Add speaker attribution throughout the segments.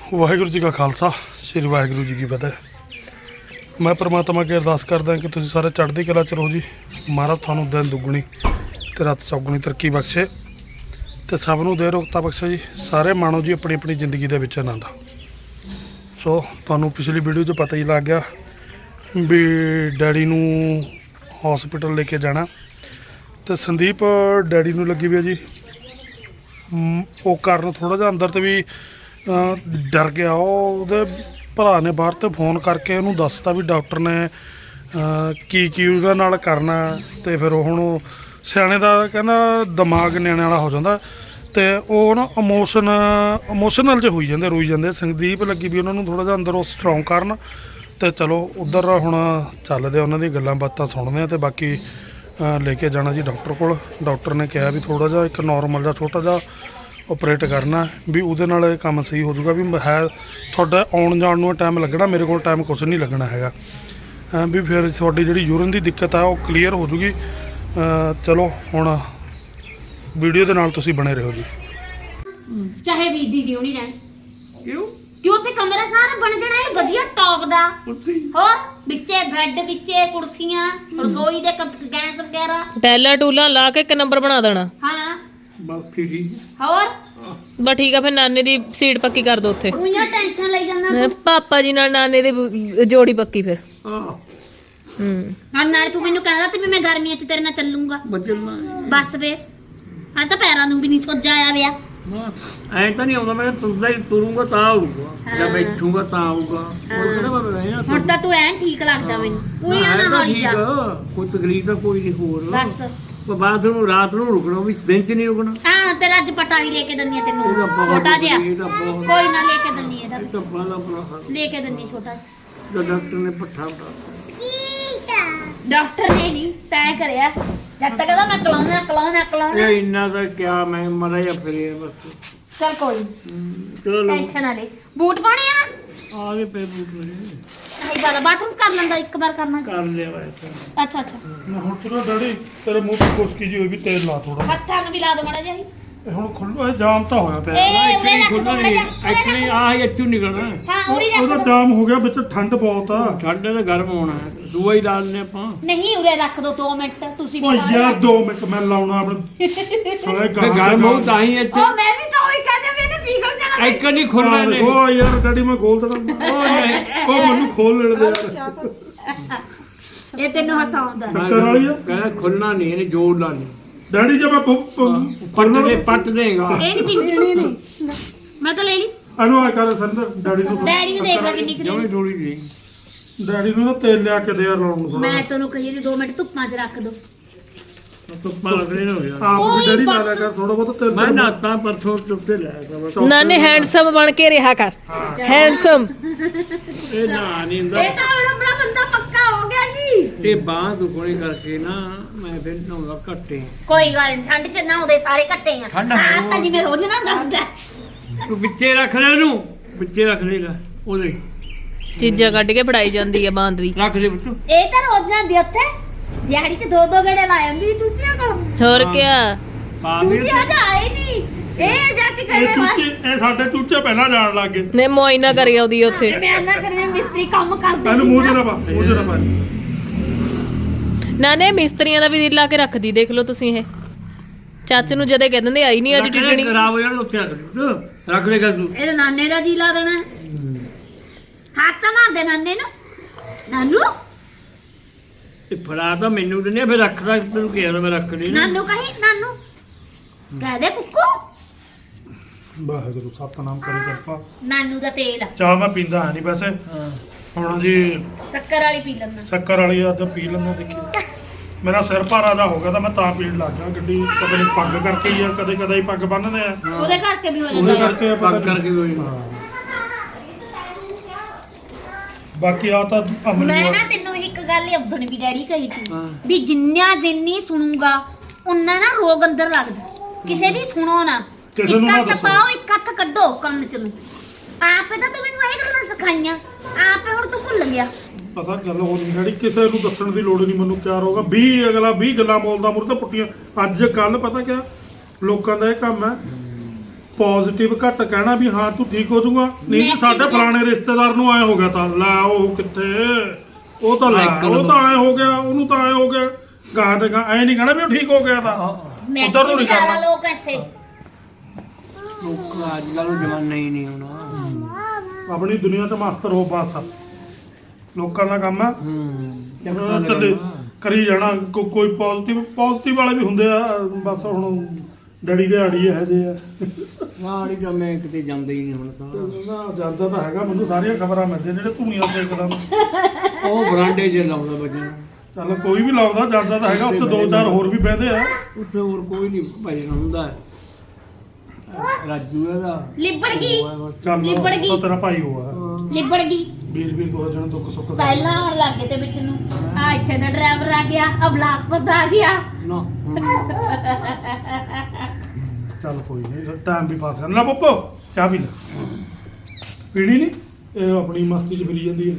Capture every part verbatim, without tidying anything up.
Speaker 1: ਵਾਹਿਗੁਰੂ ਜੀ ਕਾ ਖਾਲਸਾ ਸ੍ਰੀ ਵਾਹਿਗੁਰੂ ਜੀ ਕੀ ਫਤਿਹ। ਮੈਂ ਪ੍ਰਮਾਤਮਾ ਅੱਗੇ ਅਰਦਾਸ ਕਰਦਾ ਕਿ ਤੁਸੀਂ ਸਾਰੇ ਚੜ੍ਹਦੀ ਕਲਾ ਚ ਰਹੋ ਜੀ। ਮਹਾਰਾਜ ਤੁਹਾਨੂੰ ਦਿਨ ਦੁੱਗਣੀ ਤੇ ਰਾਤ ਚੌਗੁਣੀ ਤਰੱਕੀ ਬਖਸ਼ੇ ਤੇ ਸਭ ਨੂੰ ਦੇ ਰੋਗਤਾ ਬਖਸ਼ੇ ਜੀ। ਸਾਰੇ ਮਾਣੋ ਜੀ ਆਪਣੀ ਆਪਣੀ ਜ਼ਿੰਦਗੀ ਦੇ ਵਿੱਚ ਆਨੰਦ। ਸੋ ਤੁਹਾਨੂੰ ਪਿਛਲੀ ਵੀਡੀਓ 'ਚ ਪਤਾ ਹੀ ਲੱਗ ਗਿਆ ਵੀ ਡੈਡੀ ਨੂੰ ਹਸਪੀਟਲ ਲੈ ਕੇ ਜਾਣਾ ਤੇ ਸੰਦੀਪ ਡੈਡੀ ਨੂੰ ਲੱਗੀ ਵੀ ਹੈ ਜੀ ਉਹ ਕਾਰਨ ਥੋੜ੍ਹਾ ਜਿਹਾ ਅੰਦਰ ਤੇ ਵੀ ਡਰ ਗਿਆ। ਉਹ ਉਹਦੇ ਭਰਾ ਨੇ ਬਾਹਰ ਤੇ ਫੋਨ ਕਰਕੇ ਉਹਨੂੰ ਦੱਸਤਾ ਵੀ ਡਾਕਟਰ ਨੇ ਕੀ ਕੀ ਉਹਦੇ ਨਾਲ ਕਰਨਾ ਤੇ ਫਿਰ ਉਹ ਹੁਣ ਸਿਆਣੇ ਦਾ ਕਹਿੰਦਾ ਦਿਮਾਗ ਨਿਆਣੇ ਵਾਲਾ ਹੋ ਜਾਂਦਾ ਤੇ ਉਹ ਨਾ ਇਮੋਸ਼ਨ ਇਮੋਸ਼ਨਲ 'ਚ ਹੋਈ ਜਾਂਦੇ ਰੋਈ ਜਾਂਦੇ। ਸੰਦੀਪ ਲੱਗੀ ਵੀ ਉਹਨਾਂ ਨੂੰ ਥੋੜ੍ਹਾ ਜਿਹਾ ਅੰਦਰ ਉਹ ਸਟਰੋਂਗ ਕਰਨ ਤੇ ਚਲੋ ਉੱਧਰ ਹੁਣ ਚੱਲਦੇ ਉਹਨਾਂ ਦੀਆਂ ਗੱਲਾਂ ਬਾਤਾਂ ਸੁਣਦੇ ਆ ਤੇ ਬਾਕੀ ਲੈ ਕੇ ਜਾਣਾ ਜੀ ਡਾਕਟਰ ਕੋਲ। ਡਾਕਟਰ ਨੇ ਕਿਹਾ ਵੀ ਥੋੜ੍ਹਾ ਜਿਹਾ ਇੱਕ ਨੋਰਮਲ ਜਿਹਾ ਛੋਟਾ ਜਿਹਾ ਆਪਰੇਟ ਕਰਨਾ ਵੀ ਉਹਦੇ ਨਾਲ ਇਹ ਕੰਮ ਸਹੀ ਹੋ ਜਾਊਗਾ। ਵੀ ਹੈ ਤੁਹਾਡਾ ਆਉਣ ਜਾਣ ਨੂੰ ਟਾਈਮ ਲੱਗਣਾ, ਮੇਰੇ ਕੋਲ ਟਾਈਮ ਕੁਛ ਨਹੀਂ ਲੱਗਣਾ ਹੈਗਾ ਵੀ ਫਿਰ ਤੁਹਾਡੀ ਜਿਹੜੀ ਯੂਰਨ ਦੀ ਦਿੱਕਤ ਆ ਉਹ ਕਲੀਅਰ ਹੋ ਜੂਗੀ। ਚਲੋ ਹੁਣ ਵੀਡੀਓ ਦੇ ਨਾਲ ਤੁਸੀਂ ਬਣੇ ਰਹੋ ਜੀ।
Speaker 2: ਚਾਹੇ ਵੀ ਦੀਦੀ ਹੋਣੀ ਰਹਿਣ ਕਿਉਂ ਕਿਉਂ ਉੱਥੇ ਕਮਰਾ ਸਾਰਾ ਬਣ ਜਾਣਾ ਹੈ ਵਧੀਆ ਟੌਪ ਦਾ। ਹੋਰ ਵਿੱਚੇ ਬੈੱਡ ਵਿੱਚੇ ਕੁਰਸੀਆਂ ਰਸੋਈ ਦੇ ਗੈਸ ਵਗੈਰਾ
Speaker 3: ਟੈਲਾ ਟੂਲਾ ਲਾ ਕੇ ਇੱਕ ਨੰਬਰ ਬਣਾ ਦੇਣਾ।
Speaker 2: ਹਾਂ
Speaker 1: ਬਸ ਠੀਕ।
Speaker 2: ਹੋਰ
Speaker 3: ਬਸ ਠੀਕ ਆ। ਫਿਰ ਨਾਨੇ ਦੀ ਸੀਟ ਪੱਕੀ ਕਰ ਦੋ ਉੱਥੇ।
Speaker 2: ਉਹਨੀਆਂ ਟੈਨਸ਼ਨ ਲਈ ਜਾਂਦਾ
Speaker 3: ਪਾਪਾ ਜੀ ਨਾਲ ਨਾਨੇ ਦੀ ਜੋੜੀ ਪੱਕੀ ਫਿਰ।
Speaker 1: ਹਾਂ
Speaker 3: ਹੂੰ
Speaker 2: ਹਾਂ ਨਾਲੇ ਤੂੰ ਮੈਨੂੰ ਕਹਿੰਦਾ ਤੇ ਵੀ ਮੈਂ ਗਰਮੀਆਂ 'ਚ ਤੇਰੇ ਨਾਲ ਚੱਲੂੰਗਾ। ਬਸ ਫੇਰ ਹਾਂ ਤਾਂ ਪੈਰਾਂ ਨੂੰ ਵੀ ਨਹੀਂ ਸੋਜਾ ਆਇਆ ਵਿਆ।
Speaker 4: ਐਂ ਤਾਂ ਨਹੀਂ ਆਉਂਦਾ ਮੈਂ ਤੁਰਦਾ ਹੀ ਤੁਰੂੰਗਾ ਤਾਂ ਆਊਗਾ ਜਾਂ ਬੈਠੂਗਾ ਤਾਂ ਆਊਗਾ। ਹੋਰ ਕਿਹੜਾ ਮੈਂ ਰਹਿਣਾ
Speaker 2: ਹੁਣ ਤਾਂ ਤੂੰ ਐਨ ਠੀਕ ਲੱਗਦਾ ਮੈਨੂੰ। ਉਹਨੀਆਂ ਨਾ ਹੌਲੀ ਜਾ
Speaker 4: ਕੋਈ ਤਕਲੀਫ ਤਾਂ ਕੋਈ ਨਹੀਂ ਹੋਰ।
Speaker 2: ਬਸ
Speaker 4: ਬਾਅਦ ਨੂੰ ਰਾਤ ਨੂੰ ਰੁਕਣਾ ਵੀ ਦਿਨ ਚ ਨਹੀਂ ਰੁਕਣਾ।
Speaker 2: ਹਾਂ ਤੇਰਾ ਅੱਜ ਪਟਾ ਵੀ ਲੈ ਕੇ ਦਿੰਨੀ ਆ ਤੈਨੂੰ ਛੋਟਾ ਜਿਹਾ। ਕੋਈ ਨਾ ਲੈ ਕੇ ਦਿੰਨੀ ਇਹਦਾ
Speaker 4: ਤਾਂ ਬਾਲਾ ਬੁਰਾ
Speaker 2: ਲੈ ਕੇ ਦਿੰਨੀ ਛੋਟਾ
Speaker 4: ਜਿਹਾ ਡਾਕਟਰ ਨੇ ਪੱਠਾ ਬਤਾ
Speaker 2: ਡਾਕਟਰ ਨੇ ਨਹੀਂ ਤੈਅ ਕਰਿਆ ਜਦ ਤੱਕ ਕਹਿੰਦਾ ਮੈਂ ਕਲਾਉਣਾ ਕਲਾਉਣਾ ਕਲਾਉਣਾ।
Speaker 4: ਇਹ ਇੰਨਾ ਤਾਂ ਕਿਆ ਮੈਂ ਮਰਾ ਜਾਂ ਫਿਰੇ ਬਸ।
Speaker 2: ਚਲ ਕੋਈ
Speaker 4: ਚਲੋ
Speaker 2: ਟੈਨਸ਼ਨ ਨਾ ਲੈ। ਬੂਟ ਪਾਣੇ ਆ
Speaker 4: ਆ ਗਏ ਪੈ ਬੂਟ ਲੈ
Speaker 2: ਨਹੀਂ ਗੱਲ ਬਾਥਰੂਮ ਕਰ ਲੈਂਦਾ ਇੱਕ ਵਾਰ ਕਰਨਾ।
Speaker 4: ਕਰ ਲਿਆ ਵਾ
Speaker 2: ਅੱਛਾ ਅੱਛਾ
Speaker 1: ਹੁਣ ਤੇਰਾ ਡੈਡੀ ਤੇਰੇ ਮੂੰਹ ਤੇ ਖੁਸ਼ਕੀ ਜੀ ਹੋਈ ਵੀ ਤੇਲ ਲਾ ਥੋੜਾ।
Speaker 2: ਹੱਥਾਂ ਨੂੰ ਵੀ ਲਾ ਦੋ ਮਾੜਾ ਜਿਹਾ।
Speaker 1: ਇਹ ਹੁਣ ਖੁੱਲ੍ਹਾ ਜਾਮ ਤਾਂ ਹੋਇਆ ਪਿਆ।
Speaker 2: ਇਹ ਉਰੇ ਰੱਖ ਦੋ
Speaker 4: ਖੁੱਲ੍ਹਾ
Speaker 2: ਮਾੜਾ
Speaker 4: ਨਹੀਂ
Speaker 2: ਜਿਹਾ
Speaker 4: ਐਕਚੁਅਲੀ ਆ ਇੱਥੋਂ ਨਿਕਲਣਾ।
Speaker 2: ਹਾਂ ਉਰੇ ਰੱਖ
Speaker 1: ਉਹਦਾ
Speaker 2: ਦੋ।
Speaker 1: ਜਾਮ ਹੋ ਗਿਆ ਵਿੱਚ ਠੰਡ ਬਹੁਤ ਆ।
Speaker 4: ਠੰਡ ਤਾਂ ਗਰਮ ਹੋਣਾ ਹੈ ਦੂਆ ਹੀ ਲਾ ਲੈਣੇ ਆਪਾਂ।
Speaker 2: ਨਹੀਂ ਉਰੇ ਰੱਖ ਦੋ ਦੋ ਮਿੰਟ ਤੁਸੀਂ ਵੀ
Speaker 1: ਓ
Speaker 2: ਲਾ
Speaker 1: ਯਾਰ
Speaker 2: ਲਓ।
Speaker 1: ਦੋ ਮਿੰਟ ਮੈਂ ਲਾਉਣਾ ਆਪਣੇ ਸਾਲੇ
Speaker 4: ਮੈਂ ਗਰਮ ਹੋ ਤਾਂ ਹੀ ਇੱਥੇ
Speaker 2: ਉਹ ਮੈਂ ਵੀ ਤਾਂ ਉਹੀ ਕਹਿੰਦੇ ਵੀ ਇਹਨੇ ਪਿਘਲ ਜਾਣਾ।
Speaker 4: ਇੱਕ ਨਹੀਂ ਖੁੱਲਣਾ ਨਹੀਂ।
Speaker 1: ਓ ਯਾਰ ਡੈਡੀ ਮੈਂ ਖੋਲ ਦੇਣਾ।
Speaker 4: ਉਹ ਨਹੀਂ
Speaker 1: ਉਹ ਮੈਨੂੰ ਖੋਲ ਲੈਣ ਦੇ ਯਾਰ।
Speaker 2: ਇਹ ਤੈਨੂੰ ਹਸਾਉਂਦਾ।
Speaker 1: ਸ਼ੱਕਰ ਵਾਲੀ ਆ
Speaker 4: ਕਹਿੰਦਾ ਖੁੱਲਣਾ ਨਹੀਂ ਇਹਨੇ ਜੋੜ ਲਾ ਲਈ।
Speaker 1: ਡੈਡੀ ਜਦ ਮੈਂ
Speaker 4: ਪੱਟ ਦੇ ਪੱਟ ਦੇਗਾ।
Speaker 2: ਇਹ ਨਹੀਂ ਪੀਣੀ ਨਹੀਂ ਮੈਂ ਤਾਂ ਲੈ ਲਈ।
Speaker 1: ਇਹਨੂੰ ਆ ਕਰ ਸੰਦਰ ਡੈਡੀ ਨੂੰ
Speaker 2: ਡੈਡੀ ਨੂੰ ਦੇਖ ਲੈ ਕਿੰਨੀ
Speaker 4: ਜਮੇ
Speaker 2: ਕਰੀ।
Speaker 4: ਥੋੜੀ ਜੀ
Speaker 1: ਡੈਡੀ ਨੂੰ ਨਾ ਤੇਲ ਲਿਆ ਕੇ ਦੇ ਯਾਰ ਲਾਉਣ ਨੂੰ
Speaker 2: ਮੈਂ ਤੈਨੂੰ ਕਹੀ ਜੀ ਦੋ ਮਿੰਟ ਧੁੱਪਾਂ 'ਚ ਰੱਖ ਦੋ।
Speaker 4: ਧੁੱਪਾਂ ਲੱਗਣੇ ਹੋ ਗਿਆ।
Speaker 1: ਆਪ
Speaker 2: ਓਏ
Speaker 1: ਵੀ ਡੈਡੀ ਲਾ
Speaker 2: ਬਸ।
Speaker 1: ਲਿਆ ਕਰ ਥੋੜਾ ਬਹੁਤ ਤੇਲ।
Speaker 4: ਮੈਂ ਨਾਤਾ ਪਰਸੋਂ ਚੁੱਪਤੇ ਲਿਆ ਕਰ।
Speaker 3: ਨਾਨੇ ਹੈਂਡਸਮ ਬਣ ਕੇ ਰਿਹਾ ਕਰ। ਹੈਂਡਸਮ
Speaker 4: ਇਹ ਨਾ ਨਹੀਂ ਹੁੰਦਾ।
Speaker 2: ਇਹ ਤਾਂ ਹੁਣ ਆਪਣਾ ਬੰਦਾ ਪੱਕਾ ਹੋ ਗਿਆ ਜੀ।
Speaker 4: ਇਹ ਬਾਂਹ ਦੁਖਣੀ ਕਰਕੇ ਨਾ ਮੈਂ ਫਿਰ ਨਹਾਉਂਦਾ ਘੱਟੇ।
Speaker 2: ਕੋਈ ਗੱਲ ਨਹੀਂ ਠੰਡ 'ਚ ਨਾ ਉਹਦੇ ਸਾਰੇ ਘੱਟੇ ਆ।
Speaker 4: ਠੰਡ
Speaker 2: ਹਾਂ ਤਾਂ ਜਿਵੇਂ ਰੋਜ਼ ਨਾ ਹੁੰਦਾ।
Speaker 4: ਤੂੰ ਵਿੱਚੇ ਰੱਖ ਲੈ ਇਹਨੂੰ ਵਿੱਚੇ ਰੱਖ ਲੈ ਲੈ ਉਹਦੇ
Speaker 3: ਚੀਜ਼ਾਂ ਕੱਢ ਕੇ ਫੜਾਈ ਜਾਂਦੀ ਆ ਬਾਂਦਰੀ।
Speaker 4: ਰੱਖ ਲੈ ਬੱਚੂ।
Speaker 2: ਇਹ ਤਾਂ ਰੋਜ਼ ਜਾਂਦੀ ਉੱਥੇ ਦਿਹਾੜੀ 'ਚ ਦੋ ਦੋ ਗੇੜੇ ਲਾ ਜਾਂਦੀ ਦੂਜਿਆਂ ਕੋਲ।
Speaker 3: ਹੋਰ ਕਿਆ
Speaker 4: ਪਾ ਵੀ
Speaker 2: ਦੂਜਿਆਂ ਦਾ ਆਏ ਨਹੀਂ ਇਹ ਜਾ ਕੇ
Speaker 1: ਇਹ
Speaker 2: ਕਹੇ
Speaker 1: ਚੂਚੇ ਇਹ ਸਾਡੇ ਚੂਚੇ ਪਹਿਲਾਂ ਜਾਣ ਲੱਗ ਗਏ।
Speaker 3: ਨੇ ਮੋਇਨਾ ਕਰੀ ਆਉਂਦੀ ਉੱਥੇ।
Speaker 2: ਮੈਂ ਨਾ ਕਰੇ ਮਿਸਤਰੀ ਕੰਮ ਕਰਦੇ।
Speaker 1: ਇਹਨੂੰ ਮੂੰਹ 'ਚ ਨਾ ਪਾ ਮੂੰਹ 'ਚ ਨਾ ਪਾ।
Speaker 3: ਨਾਨੇ ਮਿਸਤਰੀਆਂ ਦਾ ਵੀ ਦਿਲ ਲਾ ਕੇ ਰੱਖਦੀ ਦੇਖ ਲਓ ਤੁਸੀਂ। ਇਹ ਚਾਚੇ ਨੂੰ ਜਦੇ ਕਹਿ ਦਿੰਦੇ ਆਈ ਨਹੀਂ ਅੱਜ ਟਿਕਣੀ।
Speaker 4: ਖਰਾਬ ਹੋ ਜਾਣਾ ਉੱਥੇ ਰੱਖ ਦੇ ਰੱਖ ਲੇਗਾ ਤੂੰ।
Speaker 2: ਇਹਦੇ ਨਾਨੇ ਦਾ ਜੀ ਲਾ ਦੇਣਾ। ਹੱਥ ਤਾਂ ਮਾਰ ਦੇ ਨਾਨੇ ਨੂੰ। ਨਾਨੂ
Speaker 4: ਇਹ ਫੜਾ ਤਾਂ ਮੈਨੂੰ ਦਿੰਦੇ ਫਿਰ ਰੱਖਦਾ ਤੈਨੂੰ ਕਿਹਾ ਮੈਂ ਰੱਖ ਲਈ ਨਾ।
Speaker 2: ਨਾਨੂ ਕਹੀ ਨਾਨੂ ਕਹਿ ਦੇ ਕੁੱਕੂ।
Speaker 1: ਵਾਹਿਗੁਰੂ ਸਤਨਾਮ ਕਰੀ ਕਿਰਪਾ।
Speaker 2: ਨਾਨੂ ਦਾ ਤੇਲ
Speaker 1: ਚਾਹ ਮੈਂ ਪੀਂਦਾ ਹੈ ਨਹੀਂ ਵੈਸੇ।
Speaker 4: ਹਾਂ
Speaker 1: ਹੁਣ ਜੀ
Speaker 2: ਸ਼ੱਕਰ ਵਾਲੀ ਪੀ ਲੈਣਾ।
Speaker 1: ਸ਼ੱਕਰ ਵਾਲੀ ਆ ਤਾਂ ਪੀ ਲੈਂਦਾ। ਦੇਖੀ ਮੇਰਾ ਸਿਰ ਭਾਰਾ ਦਾ ਹੋ ਗਿਆ ਤਾਂ ਮੈਂ ਤਾਂ ਪੀਣ ਲੱਗ ਗਿਆ। ਗੱਡੀ ਕਦੇ ਨਹੀਂ ਪੱਗ ਕਰਕੇ ਹੀ ਆ ਕਦੇ ਕਦੇ ਹੀ ਪੱਗ ਬੰਨ੍ਹਦੇ ਆ
Speaker 2: ਉਹਦੇ ਕਰਕੇ ਵੀ ਹੋ
Speaker 1: ਉਹਦੇ
Speaker 2: ਜਾਂਦਾ।
Speaker 1: ਕਰਕੇ ਆ ਪਤਾ
Speaker 4: ਪੱਗ
Speaker 1: ਨੀ।
Speaker 4: ਕਰਕੇ ਵੀ ਹੋਈ।
Speaker 1: ਹਾਂ। ਬਾਕੀ ਆ ਤਾਂ ਅਮਲੀ
Speaker 2: ਮੈਂ
Speaker 1: ਆ।
Speaker 2: ਨਾ ਤੈਨੂੰ ਇੱਕ ਗੱਲ ਉਦੋਂ ਵੀ ਡੈਡੀ ਕਹੀ ਸੀ
Speaker 4: ਹਾਂ।
Speaker 2: ਵੀ ਜਿੰਨਾ ਜਿੰਨੀ ਸੁਣੂਗਾ ਉਨਾ ਨਾ ਰੋਗ ਅੰਦਰ ਲੱਗਦਾ। ਕਿਸੇ ਦੀ ਸੁਣੋ ਨਾ।
Speaker 1: ਕਿਸੇ ਨੂੰ
Speaker 2: ਇੱਕ
Speaker 1: ਨਾ
Speaker 2: ਹੱਥ
Speaker 1: ਦੱਸੋ।
Speaker 2: ਪਾਓ ਇੱਕ ਹੱਥ ਕੱਢੋ ਕੰਨ ਚ ਨੂੰ। ਆਪੇ ਤਾਂ ਤੂੰ ਮੈਨੂੰ ਇਹ ਗੱਲਾਂ ਸਿਖਾਈਆਂ ਆਪੇ ਹੁਣ ਤੂੰ ਭੁੱਲ ਗਿਆ।
Speaker 1: ਪਤਾ ਗੱਲ ਹੋ ਨਹੀਂ ਜਿਹੜੀ ਕਿਸੇ ਨੂੰ ਦੱਸਣ ਦੀ ਲੋੜ ਨਹੀਂ। ਮੈਨੂੰ ਕਿਆ ਹੋਗਾ ਵੀਹ ਅਗਲਾ ਵੀਹ ਗੱਲਾਂ ਬੋਲਦਾ ਮੁਰ ਤਾਂ ਪੁੱਟੀਆਂ। ਅੱਜ ਕੱਲ ਪਤਾ ਕਿਆ ਲੋਕਾਂ ਦਾ ਇਹ ਕੰਮ ਹੈ ਪੋਜ਼ਿਟਿਵ ਘੱਟ ਕਹਿਣਾ ਵੀ ਹਾਂ ਤੂੰ ਠੀਕ ਹੋ ਜਾਊਗਾ ਨਹੀਂ ਜੀ
Speaker 2: Negative
Speaker 1: ਸਾਡੇ ਫਲਾਣੇ ਰਿਸ਼ਤੇਦਾਰ ਨੂੰ ਆਏ ਹੋ ਗਿਆ ਤਾਂ ਲੈ ਉਹ ਕਿੱਥੇ ਉਹ ਤਾਂ ਲੈ
Speaker 4: ਇੱਕ
Speaker 1: ਉਹ ਤਾਂ ਆਏ ਹੋ ਗਿਆ ਉਹਨੂੰ ਤਾਂ ਆਏ ਹੋ ਗਿਆ ਗਾਂ ਤੇ ਗਾਂ ਐ ਨਹੀਂ ਕਹਿਣਾ ਵੀ ਉਹ ਠੀਕ ਹੋ ਗਿਆ ਤਾਂ
Speaker 2: ਮੈਂ
Speaker 1: ਉੱਧਰ ਨੂੰ
Speaker 2: ਵੀ
Speaker 1: ਨਹੀਂ
Speaker 2: ਜ਼ਿਆਦਾ
Speaker 1: ਕਰਨਾ
Speaker 2: ਲੋਕ ਇੱਥੇ
Speaker 4: ਲੋਕ ਅੱਜ ਕੱਲ੍ਹ ਨੂੰ ਜਮਾਨਾ ਹੀ ਨਹੀਂ ਹੋਣਾ
Speaker 1: ਆਪਣੀ ਦੁਨੀਆ ਤੇ ਮਾਸਟਰ ਹੋ ਬਸ ਲੋਕਾਂ ਦਾ ਕੰਮ ਹੈ
Speaker 4: ਹੂੰ
Speaker 1: ਚੱਲੇ ਕਰੀ ਜਾਣਾ ਕੋ- ਕੋਈ ਪੋਜ਼ਿਟਿਵ ਪੋਜ਼ਿਟਿਵ ਵਾਲੇ ਵੀ ਹੁੰਦੇ ਆ ਬਸ ਹੁਣ ਡੜੀ ਦੇ ਆੜੀ ਇਹੋ ਜਿਹੇ ਆ
Speaker 4: ਵਾੜੀ ਜਾਂ ਮੈਂ ਕਿਤੇ ਜਾਂਦਾ ਹੀ ਨਹੀਂ ਹੁਣ ਤਾਂ
Speaker 1: ਨਾ ਜਾਂਦਾ ਤਾਂ ਹੈਗਾ ਮੈਨੂੰ ਸਾਰੀਆਂ ਖਬਰਾਂ ਮਿਲਦੀਆਂ ਜਿਹੜੇ ਧੂਣੀਆਂ ਸੇਕਦਾ
Speaker 4: ਉਹ ਬਰਾਂਡੇ 'ਚ ਲਾਉਂਦਾ ਬੱਜਣ
Speaker 1: ਚੱਲ ਕੋਈ ਵੀ ਲਾਉਂਦਾ ਜਾਂਦਾ ਤਾਂ ਹੈਗਾ ਉੱਥੇ ਦੋ ਚਾਰ ਹੋਰ ਵੀ ਬਹਿੰਦੇ ਆ
Speaker 4: ਉੱਥੇ ਹੋਰ ਕੋਈ ਨਹੀਂ ਭਜਨ ਹੁੰਦਾ ਹੈ। ਰਾਜੂ ਇਹਦਾ
Speaker 2: ਲਿਬੜ ਗਈ
Speaker 1: ਚੱਲ
Speaker 2: ਲਿਬੜ ਗਈ।
Speaker 1: ਉਹ ਤੇਰਾ ਭਾਈ ਹੋਆ
Speaker 2: ਲਿਬੜ ਗਈ
Speaker 1: ਵੀਰ ਵੀਰ ਕੋਲ ਜਣ ਦੁੱਖ ਸੁੱਖ ਦਾ
Speaker 2: ਪਹਿਲਾਂ ਆਉਣ ਲੱਗੇ ਤੇ ਵਿੱਚ ਨੂੰ ਆ ਇੱਥੇ ਦਾ ਡਰਾਈਵਰ ਆ ਗਿਆ ਆ ਬਲਾਸਪੁਰ ਆ ਗਿਆ
Speaker 4: ਨਾ
Speaker 1: ਚੱਲ ਕੋਈ ਨਹੀਂ ਟਾਈਮ ਵੀ ਪਾਸ ਕਰ ਲੈ ਪੱਪੋ ਚਾਹ ਪੀ ਲੈ ਪੀਣੀ ਨਹੀਂ ਇਹ ਆਪਣੀ ਮਸਤੀ 'ਚ ਫਿਰੀ ਜਾਂਦੀ ਹੈ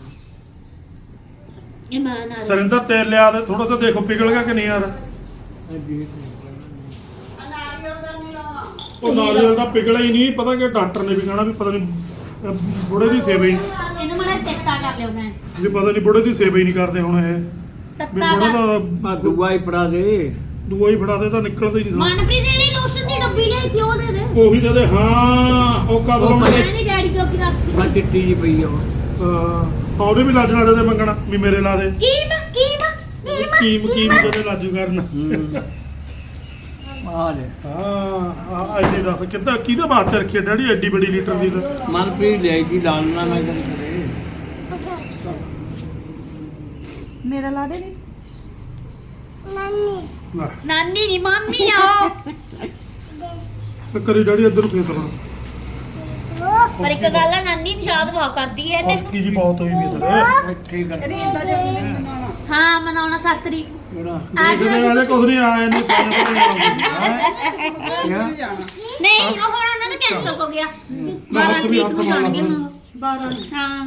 Speaker 2: ਇਮਾਨ ਨਾਲ
Speaker 1: ਸਰਿੰਦਰ ਤੇਲ ਲਿਆ ਦੇ ਥੋੜਾ ਤਾਂ ਦੇਖੋ ਪਿਘਲ ਗਿਆ ਕਿ ਨਹੀਂ ਯਾਰ ਉਹ ਨਾਰੀਅਲ ਦਾ ਪਿਘਲਿਆ ਹੀ ਨਹੀਂ ਪਤਾ ਕਿ ਡਾਕਟਰ ਨੇ ਵੀ ਕਹਿਣਾ ਵੀ ਪਤਾ ਨਹੀਂ ਅਹ ਬੁੜੇ ਦੀ ਸੇਵਾ ਹੀ
Speaker 2: ਇਹਨੂੰ ਮੜਾ ਚਿੱਟਾ ਕਰ ਲਿਓ ਗੈਸ
Speaker 1: ਵੀ ਪਤਾ ਨਹੀਂ ਬੁੜੇ ਦੀ ਸੇਵਾ ਹੀ ਨਹੀਂ ਕਰਦੇ ਹੁਣ ਇਹ ਵੀ
Speaker 2: ਤੱਤਾ
Speaker 1: ਬੁੜੇ
Speaker 2: ਕਰ
Speaker 1: ਦਾ
Speaker 4: ਆ ਦੁਆ ਹੀ ਫੜਾ ਦੇ
Speaker 1: ਦੂਆ ਹੀ ਫੜਾ ਦੇ ਤਾਂ ਨਿਕਲਦਾ ਹੀ ਨਹੀਂ
Speaker 2: ਮਨਪ੍ਰੀਤ ਦੇ ਲਈ ਲੋਸ਼ਨ ਦੀ ਡੱਬੀ ਲਈ ਤੇ ਉਹ ਦੇ ਦੇ
Speaker 1: ਉਹੀ ਤਾਂ ਦੇ ਹਾਂ ਉਹ ਕਦ
Speaker 4: ਉਹ
Speaker 1: ਲਾਉਣਾ
Speaker 4: ਪਤਾ-
Speaker 2: ਮੈਂ ਨਹੀਂ ਡੈਡੀ ਤੋਂ ਕੀ
Speaker 4: ਬਾ
Speaker 2: ਰੱਖੀ
Speaker 4: ਚਿੱਟੀ ਜੀ ਪਈ ਆ ਉਹ
Speaker 1: ਹਾਂ ਉਹਦੇ ਵੀ ਲੱਜਣਾ ਦੇ ਮੰਗਣਾ ਵੀ ਮੇਰੇ ਲਾ ਦੇ
Speaker 2: ਕੀਮ ਕੀਮ ਕੀਮ
Speaker 1: ਕੀਮ ਕੀਮ ਜਦੇ ਲਾਜੂ ਕਰਨ
Speaker 4: ਹੂੰ ਆ ਲੈ
Speaker 1: ਹਾਂ ਆ ਐਡੀ ਦੱਸ ਕਿੱਦਾਂ ਕਿਹਦੇ ਬਾਤ ਰੱਖੀ ਹੈ ਡੈਡੀ ਐਡੀ ਬੜੀ ਲੀਟਰ ਦੀ ਤਾਂ
Speaker 4: ਮਨਪ੍ਰੀਤ ਲਿਆਈ ਦੀ ਲਾਲ ਨਾ ਮੈਂ ਗੱਲ ਕਰੇ
Speaker 5: ਮੇਰਾ ਲਾ ਦੇ ਨੀ
Speaker 1: ਲੈ
Speaker 2: ਨਾਨੀ ਨੀ ਮੰਮੀ ਆ
Speaker 1: ਤੇ ਕਰੀ ਡੈਡੀ ਇੱਧਰ ਨੂੰ ਫੇਸ ਲਾ
Speaker 2: ਪਰ ਇੱਕ ਗੱਲ ਆ ਨਾਨੀ ਨੂੰ ਯਾਦ ਬਹੁਤ ਕਰਦੀ ਐ ਇਹਨੇ
Speaker 1: ਹੌਸਕੀ ਜੀ ਬਹੁਤ ਹੋਈ ਵੀ ਇੱਧਰ
Speaker 4: ਇੱਥੇ ਹੀ ਕਰ
Speaker 5: ਰੀਤ ਦਾ ਜਨਮ ਦਿਨ ਮਨਾਉਣਾ
Speaker 2: ਹਾਂ ਮਨਾਉਣਾ ਸੱਤ ਤਰੀਕ
Speaker 4: ਕਿਹੜਾ
Speaker 2: ਅੱਜ
Speaker 1: ਦੇਖਦੇ ਵਾਲੇ ਕੁਝ ਨਹੀਂ ਆਏ ਨੇ ਸਾਰੇ
Speaker 5: ਨਹੀਂ ਜਾਣਾ
Speaker 2: ਨਹੀਂ ਉਹ ਹੁਣ ਉਹਨਾਂ ਦਾ ਕੈਂਸਲ ਹੋ ਗਿਆ ਬਾਰਾਂ ਤਰੀਕ ਨੂੰ ਜਾਣਗੇ ਹੁਣ
Speaker 5: ਬਾਰਾਂ
Speaker 2: ਹਾਂ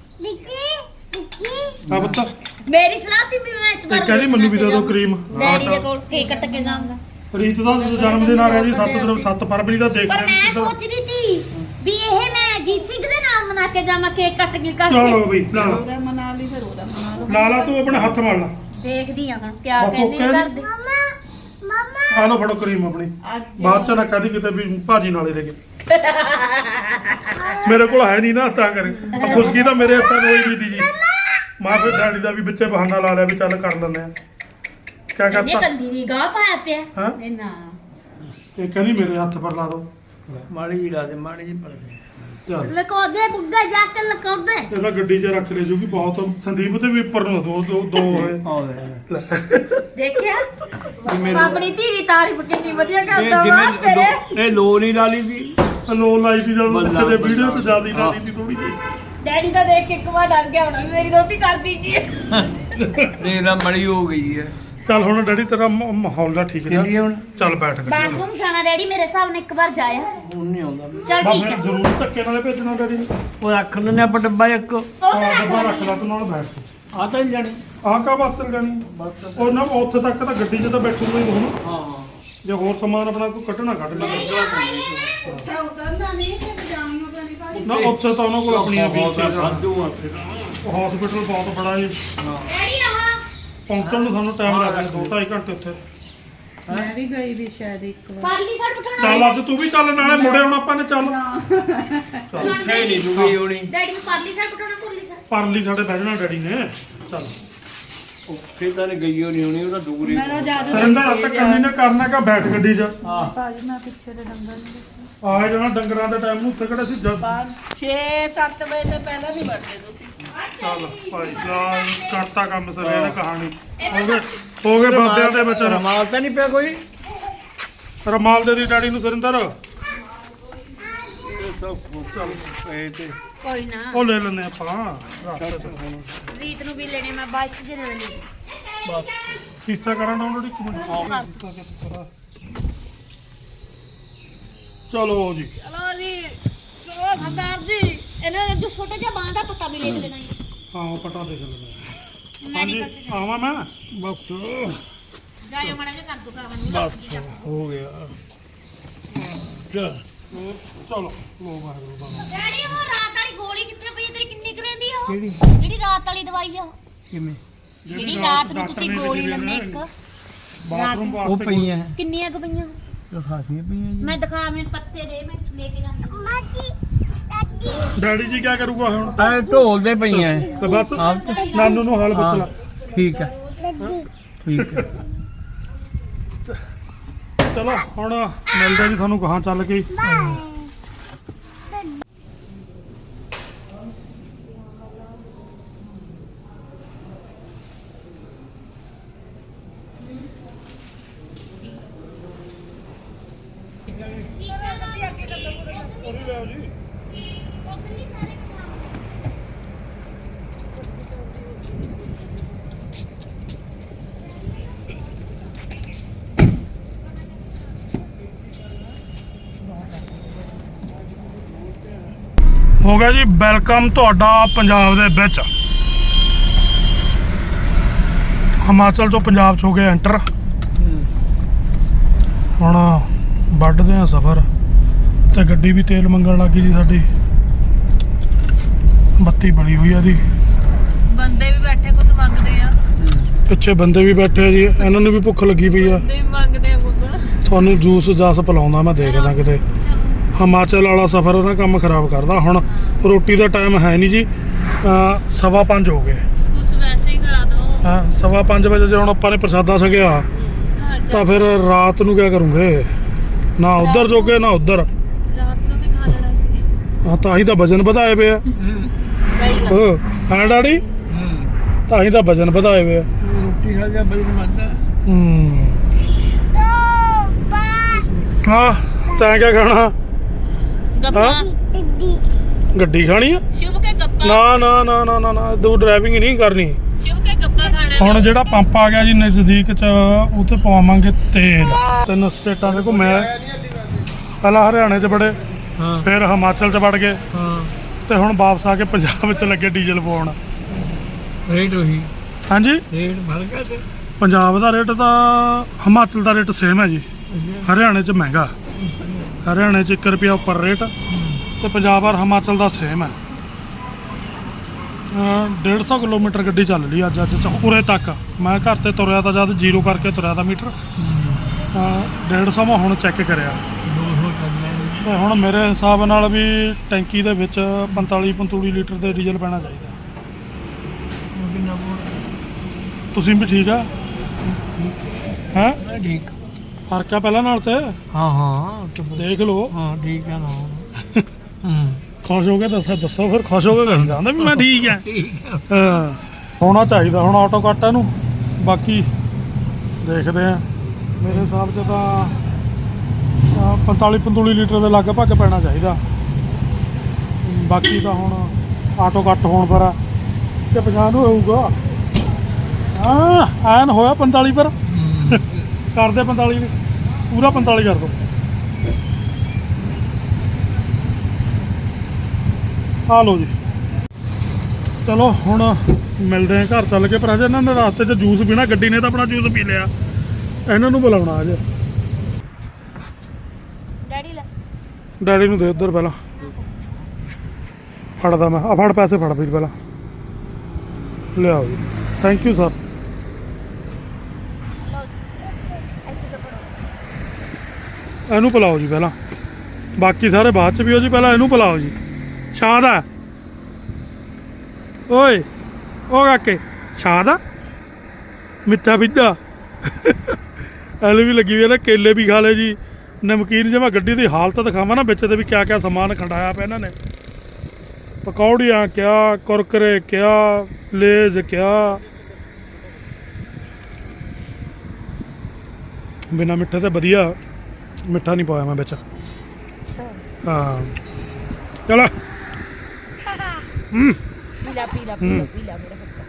Speaker 1: ਆ ਬੱਤਾ
Speaker 2: ਮੇਰੀ ਸਲਾਹ ਤੀ ਵੀ ਮੈਂ ਇਸ
Speaker 1: ਤੇ
Speaker 2: ਵਾਰ
Speaker 1: ਕਹਿੰਦੀ ਮੈਨੂੰ ਵੀ ਦੇ ਦਿਓ ਕਰੀਮ
Speaker 2: ਡੈਡੀ ਦੇ ਕੋਲ ਕੇਕ ਕੱਟ ਕੇ ਜਾਊਂਗਾ
Speaker 1: ਰੀਤ ਦਾ ਜਨਮ ਦਿਨ ਆ ਰਿਹਾ ਜੀ ਸੱਤ ਦਿਨ ਸੱਤ ਫਰਵਰੀ ਦਾ ਦੇਖ
Speaker 2: ਪਰ
Speaker 1: ਰਹੇ
Speaker 2: ਮੈਂ
Speaker 1: ਕਿੱਧਰ
Speaker 2: ਸੋਚ ਰਹੀ ਸੀ ਵੀ ਇਹ ਮੈਂ ਜੀਤ ਸਿੰਘ ਦੇ ਨਾਲ ਮਨਾ ਕੇ ਜਾਵਾਂ ਕੇਕ ਕੱਟ ਕੇ ਕੱਟ
Speaker 1: ਚਲੋ
Speaker 2: ਕੇ
Speaker 1: ਬਈ ਲਾ ਲਾ
Speaker 5: ਉਹਦਾ ਮਨਾ ਲਈ ਫਿਰ ਉਹਦਾ ਮਨਾ ਲਓ
Speaker 1: ਲਾ ਲਾ ਤੂੰ ਆਪਣੇ ਹੱਥ ਮਾਰ ਲਾ
Speaker 2: ਦੇਖਦੀ ਆ ਹੁਣ ਕਿਆ
Speaker 1: ਬਸ
Speaker 2: ਕਹਿੰਦੇ
Speaker 1: okay
Speaker 2: ਨੇ
Speaker 1: ਜੀ।
Speaker 2: ਘਰ ਦੇ
Speaker 1: ਆ ਲਓ ਫੜੋ ਕਰੀਮ ਆਪਣੀ
Speaker 5: ਅੱਜ
Speaker 1: ਬਾਅਦ ਚ ਨਾ ਕਹਦੀ ਕਿਤੇ ਵੀ ਭਾਜੀ ਨਾਲੇ ਲੈ ਕੇ ਮੇਰੇ ਕੋਲ ਹੈ ਨਹੀਂ ਨਾ ਤਾਂ ਕਰ ਖੁਸ਼ਕੀ ਤਾਂ ਮੇਰੇ ਹੱਥਾਂ ਨੂੰ ਹੋਈ ਵੀ ਦੀ ਜੀ ਮਾਂ ਫਿਰ ਡੈਡੀ ਦਾ ਵੀ ਵਿੱਚੇ ਬਹਾਨਾ ਲਾ ਲਿਆ ਵੀ ਚੱਲ ਕਰ ਲੈਂਦੇ ਆ ਕਿਆ
Speaker 2: ਇਹਨੇ
Speaker 1: ਕਰਤਾ
Speaker 2: ਕੱਲੀ ਦੀ ਗਾਹ ਪਾਇਆ ਪਿਆ
Speaker 1: ਹਾਂ
Speaker 5: ਇਹ ਨਾ
Speaker 1: ਇਹ ਕਹਿੰਦੀ ਮੇਰੇ ਹੱਥ ਪਰ ਲਾ ਦੋ
Speaker 4: ਮਾੜੀ ਜੀ ਲਾ ਦੇ ਮਾੜੀ ਜੀ ਪੜ ਦੇ
Speaker 1: ਚੱਲ
Speaker 2: ਲਕੋਦੇ ਬੁੱਗਾ ਜਾ ਕੇ ਲਕੋਦੇ
Speaker 1: ਇਹਦਾ ਗੱਡੀ 'ਚ ਰੱਖ ਲੈ ਜੂਗੀ ਬਹੁਤ ਸੰਦੀਪ ਤੇ ਵੀ ਉੱਪਰ ਨੂੰ ਦੋ ਦੋ ਦੋ ਹੋਏ
Speaker 4: ਆਵੇ
Speaker 2: ਦੇਖਿਆ
Speaker 4: ਮੇਰੇ-
Speaker 2: ਆਪਣੀ ਧੀ ਦੀ ਤਾਰੀਫ ਕਿੰਨੀ ਵਧੀਆ
Speaker 4: ਇਹ
Speaker 2: ਕਰਦਾ ਵਾ ਤੇਰੇ
Speaker 4: ਜਿਵੇਂ ਇਹ ਲੋ ਨਹੀਂ ਲਾ ਲਈ ਦੀ
Speaker 1: ਲੋ ਲਾਈ ਦੀ ਜਦੋਂ
Speaker 4: ਬੱਲਾ,
Speaker 1: ਪਿੱਛੇ ਦੇ ਵੀਡੀਓ 'ਚ
Speaker 4: ਬੱਲਾ।
Speaker 1: ਜਿਆਦਾ ਲਾ ਦੀ ਥੋੜੀ ਜਿਹੀ
Speaker 2: ਡੈਡੀ ਦਾ ਦੇਖ ਕੇ ਇੱਕ ਵਾਰ ਡਰ ਗਿਆ ਹੋਣਾ ਵੀ ਮੇਰੀ ਦੋਤੀ ਕਰਦੀ ਕੀ ਹੈ
Speaker 4: ਦੇਖ ਲਾ ਮੜੀ ਹੋ ਗਈ ਹੈ
Speaker 1: ਚੱਲ ਹੁਣ ਡੈਡੀ ਤੇਰਾ ਮ- ਮਾਹੌਲ ਦਾ ਠੀਕ
Speaker 4: ਚੱਲੀਏ
Speaker 1: ਹੈ
Speaker 4: ਹੁਣ
Speaker 1: ਚੱਲ ਬੈਠ ਕੇ
Speaker 2: ਬਾਥਰੂਮ ਜਾਣਾ ਡੈਡੀ ਮੇਰੇ ਹਿਸਾਬ ਨਾਲ ਇੱਕ ਵਾਰ ਜਾਇਆ
Speaker 4: ਹੁਣ ਨਹੀਂ ਆਉਂਦਾ
Speaker 2: ਚਲ
Speaker 1: ਬਸ
Speaker 2: ਠੀਕ
Speaker 1: ਫਿਰ
Speaker 2: ਹੈ
Speaker 1: ਜ਼ਰੂਰ ਧੱਕੇ ਨਾਲੇ ਭੇਜਣਾ ਡੈਡੀ ਨੂੰ
Speaker 4: ਉਹ ਰੱਖ ਲੈਣੇ ਆਪਾਂ ਡੱਬਾ ਇੱਕ
Speaker 2: ਉਹ
Speaker 1: ਆਹ
Speaker 2: ਤਾਂ
Speaker 1: ਡੱਬਾ
Speaker 2: ਰੱਖ
Speaker 1: ਰੱਖ ਲੈ ਤੂੰ ਨਾਲ ਬੈਠ ਕੇ
Speaker 4: ਆ ਤਾਂ ਨਹੀਂ ਜਾਣੀ
Speaker 1: ਆਹ ਕਾ ਵਾਸਤੇ ਜਾਣੀ ਉਹ ਨਾ ਉੱਥੇ ਤੱਕ ਤਾਂ ਗੱਡੀ 'ਚ ਤਾਂ ਬੈਠੂਗਾ ਹੀ ਹੁਣ
Speaker 4: ਹਾਂ
Speaker 1: ਜੇ ਹੋਰ ਸਮਾਨ ਆਪਣਾ ਕੋਈ ਕੱਢਣਾ ਕੱਢ ਲੈ
Speaker 5: ਉੱਥੇ ਉਤਰਨਾ ਨਹੀਂ ਤੇ ਜਾਣੀਓ ਪੈਣੀ ਭਾਜੀ
Speaker 1: ਨਾ ਉੱਥੇ ਤਾਂ ਉਹਨਾਂ ਕੋਲ ਆਪਣੀਆਂ ਵੀਲਚੇਅਰ
Speaker 4: ਸਾਧੂ ਆ ਫਿਰ
Speaker 1: ਹਸਪੀਟਲ ਬਹੁਤ ਬੜਾ ਜੀ
Speaker 2: ਡੈਡੀ ਆਹ
Speaker 1: ਪਹੁੰਚਣ ਨੂੰ ਸਾਨੂੰ ਟਾਈਮ ਲੱਗ ਗਿਆ ਦੋ ਢਾਈ ਘੰਟੇ ਉੱਥੇ
Speaker 5: ਮੈਂ ਵੀ ਗਈ ਵੀ ਸ਼ਾਇਦ ਇੱਕ ਵਾਰ
Speaker 2: ਪਰਲੀ ਸਾਈਡ ਉਠਾਣਾ
Speaker 1: ਚੱਲ ਅੱਜ ਤੂੰ ਵੀ ਚੱਲ ਨਾਲੇ ਮੁੜੇ ਹੁਣ ਆਪਾਂ ਨੇ ਚੱਲ
Speaker 4: ਉੱਥੇ ਨਹੀਂ ਜੂਗੀ ਹੋਣੀ
Speaker 2: ਡੈਡੀ ਨੂੰ ਪਰਲੀ ਸਾਈਡ ਉਠਾਣਾ ਪੁਰਲੀ ਸਾਈਡ
Speaker 1: ਪਰਲੀ ਸਾਡੇ ਬਹਿ ਜਾਣਾ ਡੈਡੀ ਨੇ ਚੱਲ
Speaker 4: ਉੱਥੇ ਤਾਂ ਨਹੀਂ ਗਈ ਹੋਣੀ ਹੋਣੀ ਉਹਦਾ ਦੂਰ ਹੀ
Speaker 5: ਮੇਰਾ ਜਾਦੂ
Speaker 1: ਸਰਿੰਦਰ ਅੱਜ ਕੰਨੀ ਨੇ ਕਰਨਾ ਕਾ ਬੈਠ ਗੱਡੀ 'ਚ
Speaker 4: ਹਾਂ
Speaker 5: ਭਾਜੀ ਮੈਂ ਪਿੱਛੇ ਦੇ ਡੰਗਰ ਨਹੀਂ ਦੇਖੇ
Speaker 1: ਆਏ ਜਾਣਾ ਡੰਗਰਾਂ ਦੇ ਟਾਈਮ ਨੂੰ ਉੱਥੇ ਕਿਹੜੇ ਸੀ ਜਦ
Speaker 5: ਛੇ ਸੱਤ ਵਜੇ ਤੋਂ ਪਹਿਲਾਂ ਨਹੀਂ ਵੜਦੇ ਤੁਸੀਂ
Speaker 1: ਚੱਲ ਭਾਈ ਸਾਹਿਬ ਕਰਤਾ ਕੰਮ ਸਰੇ ਨੇ ਕਹਾਣੀ ਹੋ ਗਏ ਹੋ ਗਏ ਬਾਬਿਆਂ ਦੇ ਵਿੱਚ
Speaker 4: ਰਮਾਲ ਤਾਂ ਨਹੀਂ ਪਿਆ ਕੋਈ
Speaker 1: ਰਮਾਲ ਦੇ ਦੀ ਡੈਡੀ ਨੂੰ ਸਰਿੰਦਰ
Speaker 4: ਇਹ ਸਭ ਚੱਲ ਪਏ ਤੇ
Speaker 2: ਕੋਈ ਨਾ
Speaker 1: ਉਹ ਲੈ ਲੈਨੇ ਆਪਾਂ ਰਸਤੇ 'ਚ
Speaker 2: ਰੀਤ ਨੂੰ ਵੀ ਲੈਣੇ ਮੈਂ ਬਾਈਕ 'ਚ ਲੈ ਲੈਣੀ
Speaker 1: ਬਸ ਫੀਸਾ ਕਰਾਂ ਡਾਊਨਲੋਡ ਇੱਕ ਮਿੰਟ ਚਲੋ ਜੀ
Speaker 2: ਚਲੋ ਜੀ ਚਲੋ ਸਰਦਾਰ ਜੀ ਇਹਨਾਂ ਨੇ ਜੋ ਛੋਟਾ ਜਿਹਾ ਬਾਂਹ ਦਾ ਪੱਤਾ ਵੀ ਲੈ ਲੈਣਾ ਜੀ
Speaker 1: ਹਾਂ ਉਹ ਪਟਾ ਦੇਖ ਲੈਂਦੇ ਹਾਂਜੀ
Speaker 2: ਮੈਡੀਕਲ 'ਚ
Speaker 1: ਆਵਾਂ ਮੈਂ
Speaker 4: ਬਸ
Speaker 2: ਜਾਇਓ ਮੜਾ ਜਿਹਾ ਕਰ ਦੋ ਕਾਵਨ ਨੂੰ
Speaker 1: ਬਸ ਹੋ ਗਿਆ
Speaker 4: ਚੱਲ
Speaker 1: ਚਲੋ ਲੋ ਵਾਹਿਗੁਰੂ ਦਾ ਨਾਮ।
Speaker 2: ਡੈਡੀ ਉਹ ਰਾਤ ਵਾਲੀ ਗੋਲੀ ਕਿੱਥੇ ਪਈ ਹੈ? ਤੇਰੀ ਕਿੰਨੀ ਕੁ ਰਹਿੰਦੀ ਆ ਉਹ?
Speaker 4: ਕਿਹੜੀ
Speaker 2: ਜਿਹੜੀ ਰਾਤ ਵਾਲੀ ਦਵਾਈ ਆ ਉਹ?
Speaker 4: ਕਿਵੇਂ
Speaker 2: ਜਿਹੜੀ ਰਾਤ ਨੂੰ ਤੁਸੀਂ ਗੋਲੀ ਲੈਂਦੇ ਇੱਕ
Speaker 1: ਬਾਥਰੂਮ
Speaker 4: ਉਹ
Speaker 1: ਵਾਸਤੇ
Speaker 4: ਪਈਆਂ
Speaker 2: ਕਿੰਨੀਆਂ ਕੁ ਪਈਆਂ?
Speaker 4: ਖਾਸੀਆਂ ਪਈਆਂ ਜੀ
Speaker 2: ਮੈਂ ਦਿਖਾ ਮੈਨੂੰ ਪੱਤੇ ਦੇ ਮੈਂ ਲੈ ਕੇ ਜਾਂਦੀ
Speaker 1: ਡੈਡੀ ਜੀ ਕੀ ਕਰੂਗਾ ਹੁਣ?
Speaker 4: ਐ ਢੋਲ ਦੇ ਪਈਆਂ
Speaker 1: ਤੇ ਬਸ
Speaker 4: ਆਪ ਚ
Speaker 1: ਨਾਨੂ ਨੂੰ ਹਾਲ ਪੁੱਛ ਲਾ।
Speaker 4: ਠੀਕ ਹੈ ਠੀਕ ਹੈ
Speaker 1: ਚਲੋ ਹੁਣ ਮਿਲਦੇ ਜੀ ਤੁਹਾਨੂੰ ਕਹਾਂ ਚੱਲ ਕੇ। ਹੋ ਗਿਆ ਜੀ ਵੈਲਕਮ ਤੁਹਾਡਾ ਪੰਜਾਬ ਦੇ ਵਿੱਚ। ਹਿਮਾਚਲ ਤੋਂ ਪੰਜਾਬ 'ਚ ਹੋ ਗਏ ਐਂਟਰ। ਹੁਣ ਵੱਢਦੇ ਆ ਸਫ਼ਰ ਤੇ ਗੱਡੀ ਵੀ ਤੇਲ ਮੰਗਣ ਲੱਗੀ ਜੀ ਸਾਡੀ। ਬੱਤੀ ਬੜੀ ਹੋਈ ਆ ਦੀ।
Speaker 3: ਬੰਦੇ ਵੀ ਬੈਠੇ ਕੁਝ ਮੰਗਦੇ ਆ
Speaker 1: ਪਿੱਛੇ ਬੰਦੇ ਵੀ ਬੈਠੇ ਆ ਜੀ, ਇਹਨਾਂ ਨੂੰ ਵੀ ਭੁੱਖ ਲੱਗੀ ਪਈ ਆ।
Speaker 3: ਬੰਦੇ ਵੀ ਮੰਗਦੇ ਆ ਕੁਝ।
Speaker 1: ਤੁਹਾਨੂੰ ਜੂਸ ਜਾਸ ਪਿਲਾਉਂਦਾ ਮੈਂ, ਦੇਖਦਾ ਕਿਤੇ। ਹਿਮਾਚਲ ਵਾਲਾ ਸਫ਼ਰ ਉਹਦਾ ਕੰਮ ਖਰਾਬ ਕਰਦਾ। ਹੁਣ ਰੋਟੀ ਦਾ ਟਾਈਮ ਹੈ ਨਹੀਂ ਜੀ, ਅਹ ਸਵਾ ਪੰਜ ਹੋ ਗਏ।
Speaker 3: ਕੁਝ ਵੈਸੇ ਹੀ ਖੜਾ ਦੋ
Speaker 1: ਹਾਂ ਸਵਾ ਪੰਜ ਵਜੇ ਜੇ ਹੁਣ ਆਪਾਂ ਨੇ ਪ੍ਰਸ਼ਾਦਾ ਛਕਿਆ
Speaker 3: ਘਰ ਜਾ
Speaker 1: ਤਾਂ ਫਿਰ ਰਾਤ ਨੂੰ ਕੀ ਕਰੂੰਗੇ? ਨਾ ਉੱਧਰ ਜੋਗੇ ਨਾ ਉੱਧਰ।
Speaker 3: ਰਾਤ ਨੂੰ ਵੀ ਖਾ ਲੈਣਾ ਸੀ।
Speaker 1: ਹਾਂ ਤਾਂ ਹੀ ਤਾਂ ਵਜਨ ਵਧਾਏ ਪਏ ਆ। ਹਾਂ ਹਾਂ ਡੈਡੀ, ਤਾਂ ਹੀ ਤਾਂ ਵਜਨ ਵਧਾਏ ਪਏ ਆ।
Speaker 4: ਰੋਟੀ ਖਾ ਜਾ ਬਈ ਮੰਨਦਾ
Speaker 1: ਹੂੰ ਹਾਂ ਤੈਂ ਕਿਆ ਖਾਣਾ?
Speaker 3: ਗੱਪਾਂ
Speaker 1: ਗੱਡੀ ਖਾਣੀ ਆ?
Speaker 3: ਸ਼ੁਭ ਕੇ ਗੱਪਾਂ
Speaker 1: ਨਾ ਨਾ ਨਾ ਨਾ ਨਾ ਨਾ ਤੂੰ ਡਰਾਈਵਿੰਗ ਨਹੀਂ ਕਰਨੀ।
Speaker 3: ਸ਼ੁਭ ਕੇ ਗੱਪਾਂ ਖਾਣਾ
Speaker 1: ਹੁਣ ਜਿਹੜਾ ਪੰਪ ਆ ਗਿਆ ਜੀ ਨਜ਼ਦੀਕ ਚ, ਉੱਥੇ ਪਵਾਵਾਂਗੇ ਤੇਲ। ਤਿੰਨ ਸਟੇਟਾਂ ਦੇ ਘੁੰਮੇ, ਪਹਿਲਾਂ ਹਰਿਆਣੇ ਚ ਬੜੇ,
Speaker 4: ਹਾਂ
Speaker 1: ਫਿਰ ਹਿਮਾਚਲ ਚ ਵੜ ਗਏ,
Speaker 4: ਹਾਂ
Speaker 1: ਤੇ ਹੁਣ ਵਾਪਸ ਆ ਕੇ ਪੰਜਾਬ ਵਿੱਚ ਲੱਗੇ ਡੀਜ਼ਲ ਪਵਾਉਣ।
Speaker 4: ਰੇਟ ਉਹੀ
Speaker 1: ਹਾਂਜੀ
Speaker 4: ਰੇਟ ਭਰ ਗਿਆ ਤੇ
Speaker 1: ਪੰਜਾਬ ਦਾ ਰੇਟ ਤਾਂ ਹਿਮਾਚਲ ਦਾ ਰੇਟ ਸੇਮ ਹੈ ਜੀ। ਹਰਿਆਣੇ ਚ ਮਹਿੰਗਾ, ਹਰਿਆਣੇ ਚ ਇੱਕ ਰੁਪਿਆ ਉੱਪਰ ਰੇਟ, ਤੇ ਪੰਜਾਬ ਔਰ ਹਿਮਾਚਲ ਦਾ ਸੇਮ ਹੈ। ਡੇਢ ਸੌ ਕਿਲੋਮੀਟਰ ਗੱਡੀ ਚੱਲ ਲਈ ਅੱਜ ਅੱਜ ਚ ਉਰੇ ਤੱਕ। ਮੈਂ ਘਰ ਤੇ ਤੁਰਿਆ ਤਾਂ ਜਦ ਜ਼ੀਰੋ ਕਰਕੇ ਤੁਰਿਆ ਤਾਂ ਮੀਟਰ ਡੇਢ ਸੌ ਮੈਂ ਹੁਣ ਚੈੱਕ ਕਰਿਆ।
Speaker 4: ਦੋ ਸੌ ਕਰਨਾ
Speaker 1: ਤੇ ਹੁਣ ਮੇਰੇ ਹਿਸਾਬ ਨਾਲ ਵੀ ਟੈਂਕੀ ਦੇ ਵਿੱਚ ਪੰਤਾਲੀ ਪੰਤਾਲੀ ਲੀਟਰ ਦੇ ਡੀਜ਼ਲ ਪੈਣਾ ਚਾਹੀਦਾ।
Speaker 4: ਕਿੰਨਾ
Speaker 1: ਤੁਸੀਂ ਵੀ ਠੀਕ ਆ? ਹੈਂ
Speaker 4: ਬੋਲ ਠੀਕ
Speaker 1: ਫਰਕ ਆ ਪਹਿਲਾਂ ਨਾਲ ਤੇ?
Speaker 4: ਹਾਂ ਹਾਂ ਤੇ ਫਿਰ-
Speaker 1: ਦੇਖ ਲਓ।
Speaker 4: ਹਾਂ ਠੀਕ ਹੈ ਨਾ ਹੂੰ
Speaker 1: ਖੁਸ਼ ਹੋ ਕੇ ਦੱਸੋ ਦੱਸੋ ਫਿਰ ਖੁਸ਼ ਹੋ ਕੇ ਕਹਿੰਦਾ ਹੁੰਦਾ ਵੀ ਮੈਂ ਠੀਕ ਆ।
Speaker 4: ਠੀਕ ਹੈ
Speaker 1: ਹਾਂ ਹੋਣਾ ਚਾਹੀਦਾ ਹੁਣ ਆਟੋ ਕੱਟ ਇਹਨੂੰ। ਬਾਕੀ ਦੇਖਦੇ ਆ, ਮੇਰੇ ਹਿਸਾਬ 'ਚ ਤਾਂ ਅਹ, ਪੰਤਾਲੀ ਪੰਤਾਲੀ ਲੀਟਰ ਦੇ ਲਗਭਗ ਪੈਣਾ ਚਾਹੀਦਾ। ਬਾਕੀ ਤਾਂ ਹੁਣ ਆਟੋ ਕੱਟ ਹੋਣ ਪਰ ਆ ਕਿ ਪੰਜਾਹ ਨੂੰ ਹੋਊਗਾ। ਹਾਂ ਐਨ ਹੋਇਆ ਪੰਤਾਲੀ ਪਰ। ਕਰਦੇ ਪੰਤਾਲੀ ਵੀ, ਪੂਰਾ ਪੰਤਾਲੀ ਕਰ ਦੋ। ਆ ਲਓ ਜੀ, ਚਲੋ ਹੁਣ ਮਿਲਦੇ ਆ ਘਰ ਚੱਲ ਕੇ। ਪਰ ਅਜੇ ਇਹਨਾਂ ਨੇ ਰਸਤੇ 'ਚ ਜੂਸ ਪੀਣਾ, ਗੱਡੀ ਨੇ ਤਾਂ ਆਪਣਾ ਜੂਸ ਪੀ ਲਿਆ। ਇਹਨਾਂ ਨੂੰ ਬੁਲਾਉਣਾ ਅੱਜ।
Speaker 2: ਡੈਡੀ ਲੈ
Speaker 1: ਡੈਡੀ ਨੂੰ ਦੇ ਉੱਧਰ ਪਹਿਲਾਂ ਫੜਦਾ ਮੈਂ। ਆ ਫੜ ਪੈਸੇ ਫੜ ਵੀਰ ਪਹਿਲਾਂ। ਲਿਆਓ ਜੀ, ਥੈਂਕ ਯੂ ਸਰ।
Speaker 2: ਇੱਥੇ ਤੋਂ ਪੜੋ।
Speaker 1: ਇਹਨੂੰ ਪਿਲਾਓ ਜੀ ਪਹਿਲਾਂ, ਬਾਕੀ ਸਾਰੇ ਬਾਅਦ 'ਚ ਪੀਓ ਜੀ। ਪਹਿਲਾਂ ਇਹਨੂੰ ਪਿਲਾਓ ਜੀ। ਸ਼ਾਦ ਆ ਓਏ, ਉਹ ਕਾਕੇ ਸ਼ਾਦ ਆ ਮਿੱਠਾ ਪਿੱਧਾ। ਐਲ ਵੀ ਲੱਗੀ ਹੋਈ ਆ ਨਾ, ਕੇਲੇ ਵੀ ਖਾ ਲਏ ਜੀ। ਨਮਕੀਨ ਜੇ ਮੈਂ ਗੱਡੀ ਦੀ ਹਾਲਤ ਦਿਖਾਵਾਂ ਨਾ ਵਿੱਚ ਤੇ ਵੀ ਕਿਆ ਕਿਆ ਸਮਾਨ ਖੰਡਾਇਆ ਪਿਆ ਇਹਨਾਂ ਨੇ। ਪਕੌੜੀਆਂ ਕਿਆ, ਕੁਰਕਰੇ ਕਿਆ, ਲੇਜ਼ ਕਿਆ। ਬਿਨਾ ਮਿੱਠੇ ਤੇ ਵਧੀਆ, ਮਿੱਠਾ ਨਹੀਂ ਪਾਇਆ ਮੈਂ ਵਿੱਚ। ਹਾਂ ਚਲੋ ਹੂੰ
Speaker 2: ਪੀਲਾ ਪੀਲਾ
Speaker 1: ਹੂੰ।
Speaker 2: ਪੀਲਾ ਮੇਰਾ ਪੁੱਤ।